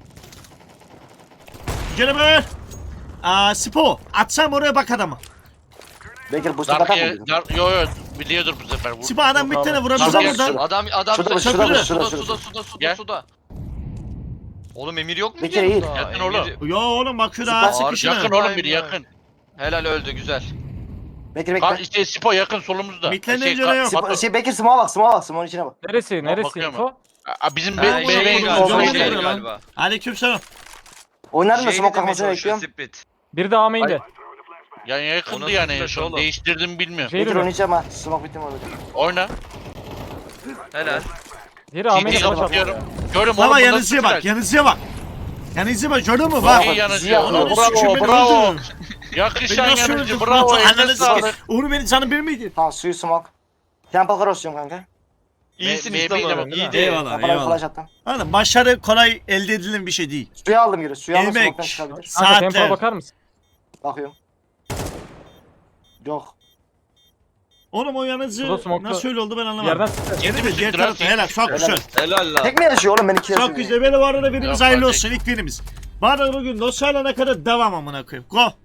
[SPEAKER 2] Geleme. Spo. Atsam oraya bak adama.
[SPEAKER 5] Bekir bu sefer
[SPEAKER 3] Darkıya...
[SPEAKER 5] mı?
[SPEAKER 3] Yo yo biliyordur bu sefer.
[SPEAKER 2] Spo adam bir
[SPEAKER 6] Yok
[SPEAKER 2] tane
[SPEAKER 6] abi.
[SPEAKER 2] vurabilir
[SPEAKER 3] Darkıya-
[SPEAKER 2] buradan.
[SPEAKER 4] Adam
[SPEAKER 5] Şurada,
[SPEAKER 2] şurada,
[SPEAKER 4] suda
[SPEAKER 3] Gel.
[SPEAKER 4] suda. Oğlum Emir yok mu?
[SPEAKER 5] Bekir iyi.
[SPEAKER 4] yanında?
[SPEAKER 3] Yakın oğlum.
[SPEAKER 2] Yo oğlum bak şurada
[SPEAKER 5] Süper.
[SPEAKER 2] sıkışına.
[SPEAKER 3] Yakın oğlum biri yakın.
[SPEAKER 4] Helal öldü güzel.
[SPEAKER 5] Bekir
[SPEAKER 3] Kar
[SPEAKER 5] bekle.
[SPEAKER 3] işte Spo yakın solumuzda.
[SPEAKER 2] Mitlenden canı yok.
[SPEAKER 3] Batu-
[SPEAKER 5] Bekir smoke'a bak smoke'a bak. Smoke'un içine bak.
[SPEAKER 6] Neresi? Neresi
[SPEAKER 3] bakıyorum.
[SPEAKER 6] info?
[SPEAKER 3] Bizim
[SPEAKER 4] Ha,
[SPEAKER 3] be
[SPEAKER 2] şey
[SPEAKER 3] be
[SPEAKER 2] galiba,
[SPEAKER 3] be
[SPEAKER 2] şey
[SPEAKER 3] be
[SPEAKER 2] galiba. Aleykümselam.
[SPEAKER 5] Oynar mı
[SPEAKER 4] Şey
[SPEAKER 5] smoke
[SPEAKER 4] demeye
[SPEAKER 5] kalkmasını
[SPEAKER 4] çalışıyor
[SPEAKER 5] bekliyorum.
[SPEAKER 4] Speed.
[SPEAKER 6] Biri de A main'de.
[SPEAKER 3] Yani yakındı
[SPEAKER 4] Ona
[SPEAKER 3] yani en
[SPEAKER 4] sıkıntı
[SPEAKER 3] son.
[SPEAKER 4] oğlum.
[SPEAKER 3] Değiştirdim bilmiyorum.
[SPEAKER 6] Şey
[SPEAKER 5] Bekir
[SPEAKER 6] mi?
[SPEAKER 5] oynayacağım ha. Smoke bitti mi orada?
[SPEAKER 3] Oyna.
[SPEAKER 4] Helal.
[SPEAKER 6] Biri A main'de
[SPEAKER 3] CT'yi
[SPEAKER 6] flash
[SPEAKER 3] kapatıyorum.
[SPEAKER 6] attı.
[SPEAKER 3] Görüm oğlum.
[SPEAKER 2] Baba
[SPEAKER 3] bundan
[SPEAKER 2] yanınıza bak,
[SPEAKER 3] sıfır.
[SPEAKER 2] yanınıza bak. Yanınıza bak, gördün mü? Bak.
[SPEAKER 3] Çok iyi yanıcı.
[SPEAKER 5] Ziya,
[SPEAKER 2] Onu
[SPEAKER 3] Bravo
[SPEAKER 2] sikeyim, beni
[SPEAKER 3] bravo.
[SPEAKER 2] öldürdün.
[SPEAKER 3] Yakışan
[SPEAKER 2] Beni nasıl
[SPEAKER 3] yanıcı.
[SPEAKER 2] öldürdün?
[SPEAKER 3] Bravo.
[SPEAKER 2] Ananı
[SPEAKER 3] Eline
[SPEAKER 2] sikeyim.
[SPEAKER 3] sağlık.
[SPEAKER 2] Onu benim canım bir miydi?
[SPEAKER 5] Tamam suyu smoke. Temple cross diyorum kanka.
[SPEAKER 4] İyisin
[SPEAKER 3] Me-
[SPEAKER 4] İslam
[SPEAKER 3] meyle
[SPEAKER 4] abi.
[SPEAKER 3] bak.
[SPEAKER 4] İyiydi.
[SPEAKER 2] Eyvallah,
[SPEAKER 5] Kafana bir
[SPEAKER 2] eyvallah.
[SPEAKER 5] flash attım.
[SPEAKER 2] Oğlum başarı kolay elde edilen bir şey değil.
[SPEAKER 5] Suyu aldım geri. Suyu aldım
[SPEAKER 2] Emek,
[SPEAKER 5] smoke'tan çıkabilir.
[SPEAKER 6] Kanka tempoya
[SPEAKER 2] saatler.
[SPEAKER 6] bakar mısın?
[SPEAKER 5] Bakıyorum. Yok.
[SPEAKER 2] Oğlum o yanıcı
[SPEAKER 6] Şurada smoke'ta-
[SPEAKER 2] nasıl öyle oldu ben
[SPEAKER 6] Bir
[SPEAKER 2] anlamadım.
[SPEAKER 6] yerden sıktı.
[SPEAKER 2] Geri mi? Diğer
[SPEAKER 3] Siktir
[SPEAKER 2] tarafta.
[SPEAKER 3] lan,
[SPEAKER 2] Helal, çok güzel.
[SPEAKER 4] Helal lan.
[SPEAKER 5] Tek mi yaşıyor oğlum ben iki yaşıyorum.
[SPEAKER 2] Çok güzel. Böyle bu arada birimiz
[SPEAKER 3] Yok,
[SPEAKER 2] hayırlı
[SPEAKER 3] fark
[SPEAKER 2] olsun ilk birimiz. Bana bugün dosyalarına kadar devam amına koyayım. Go.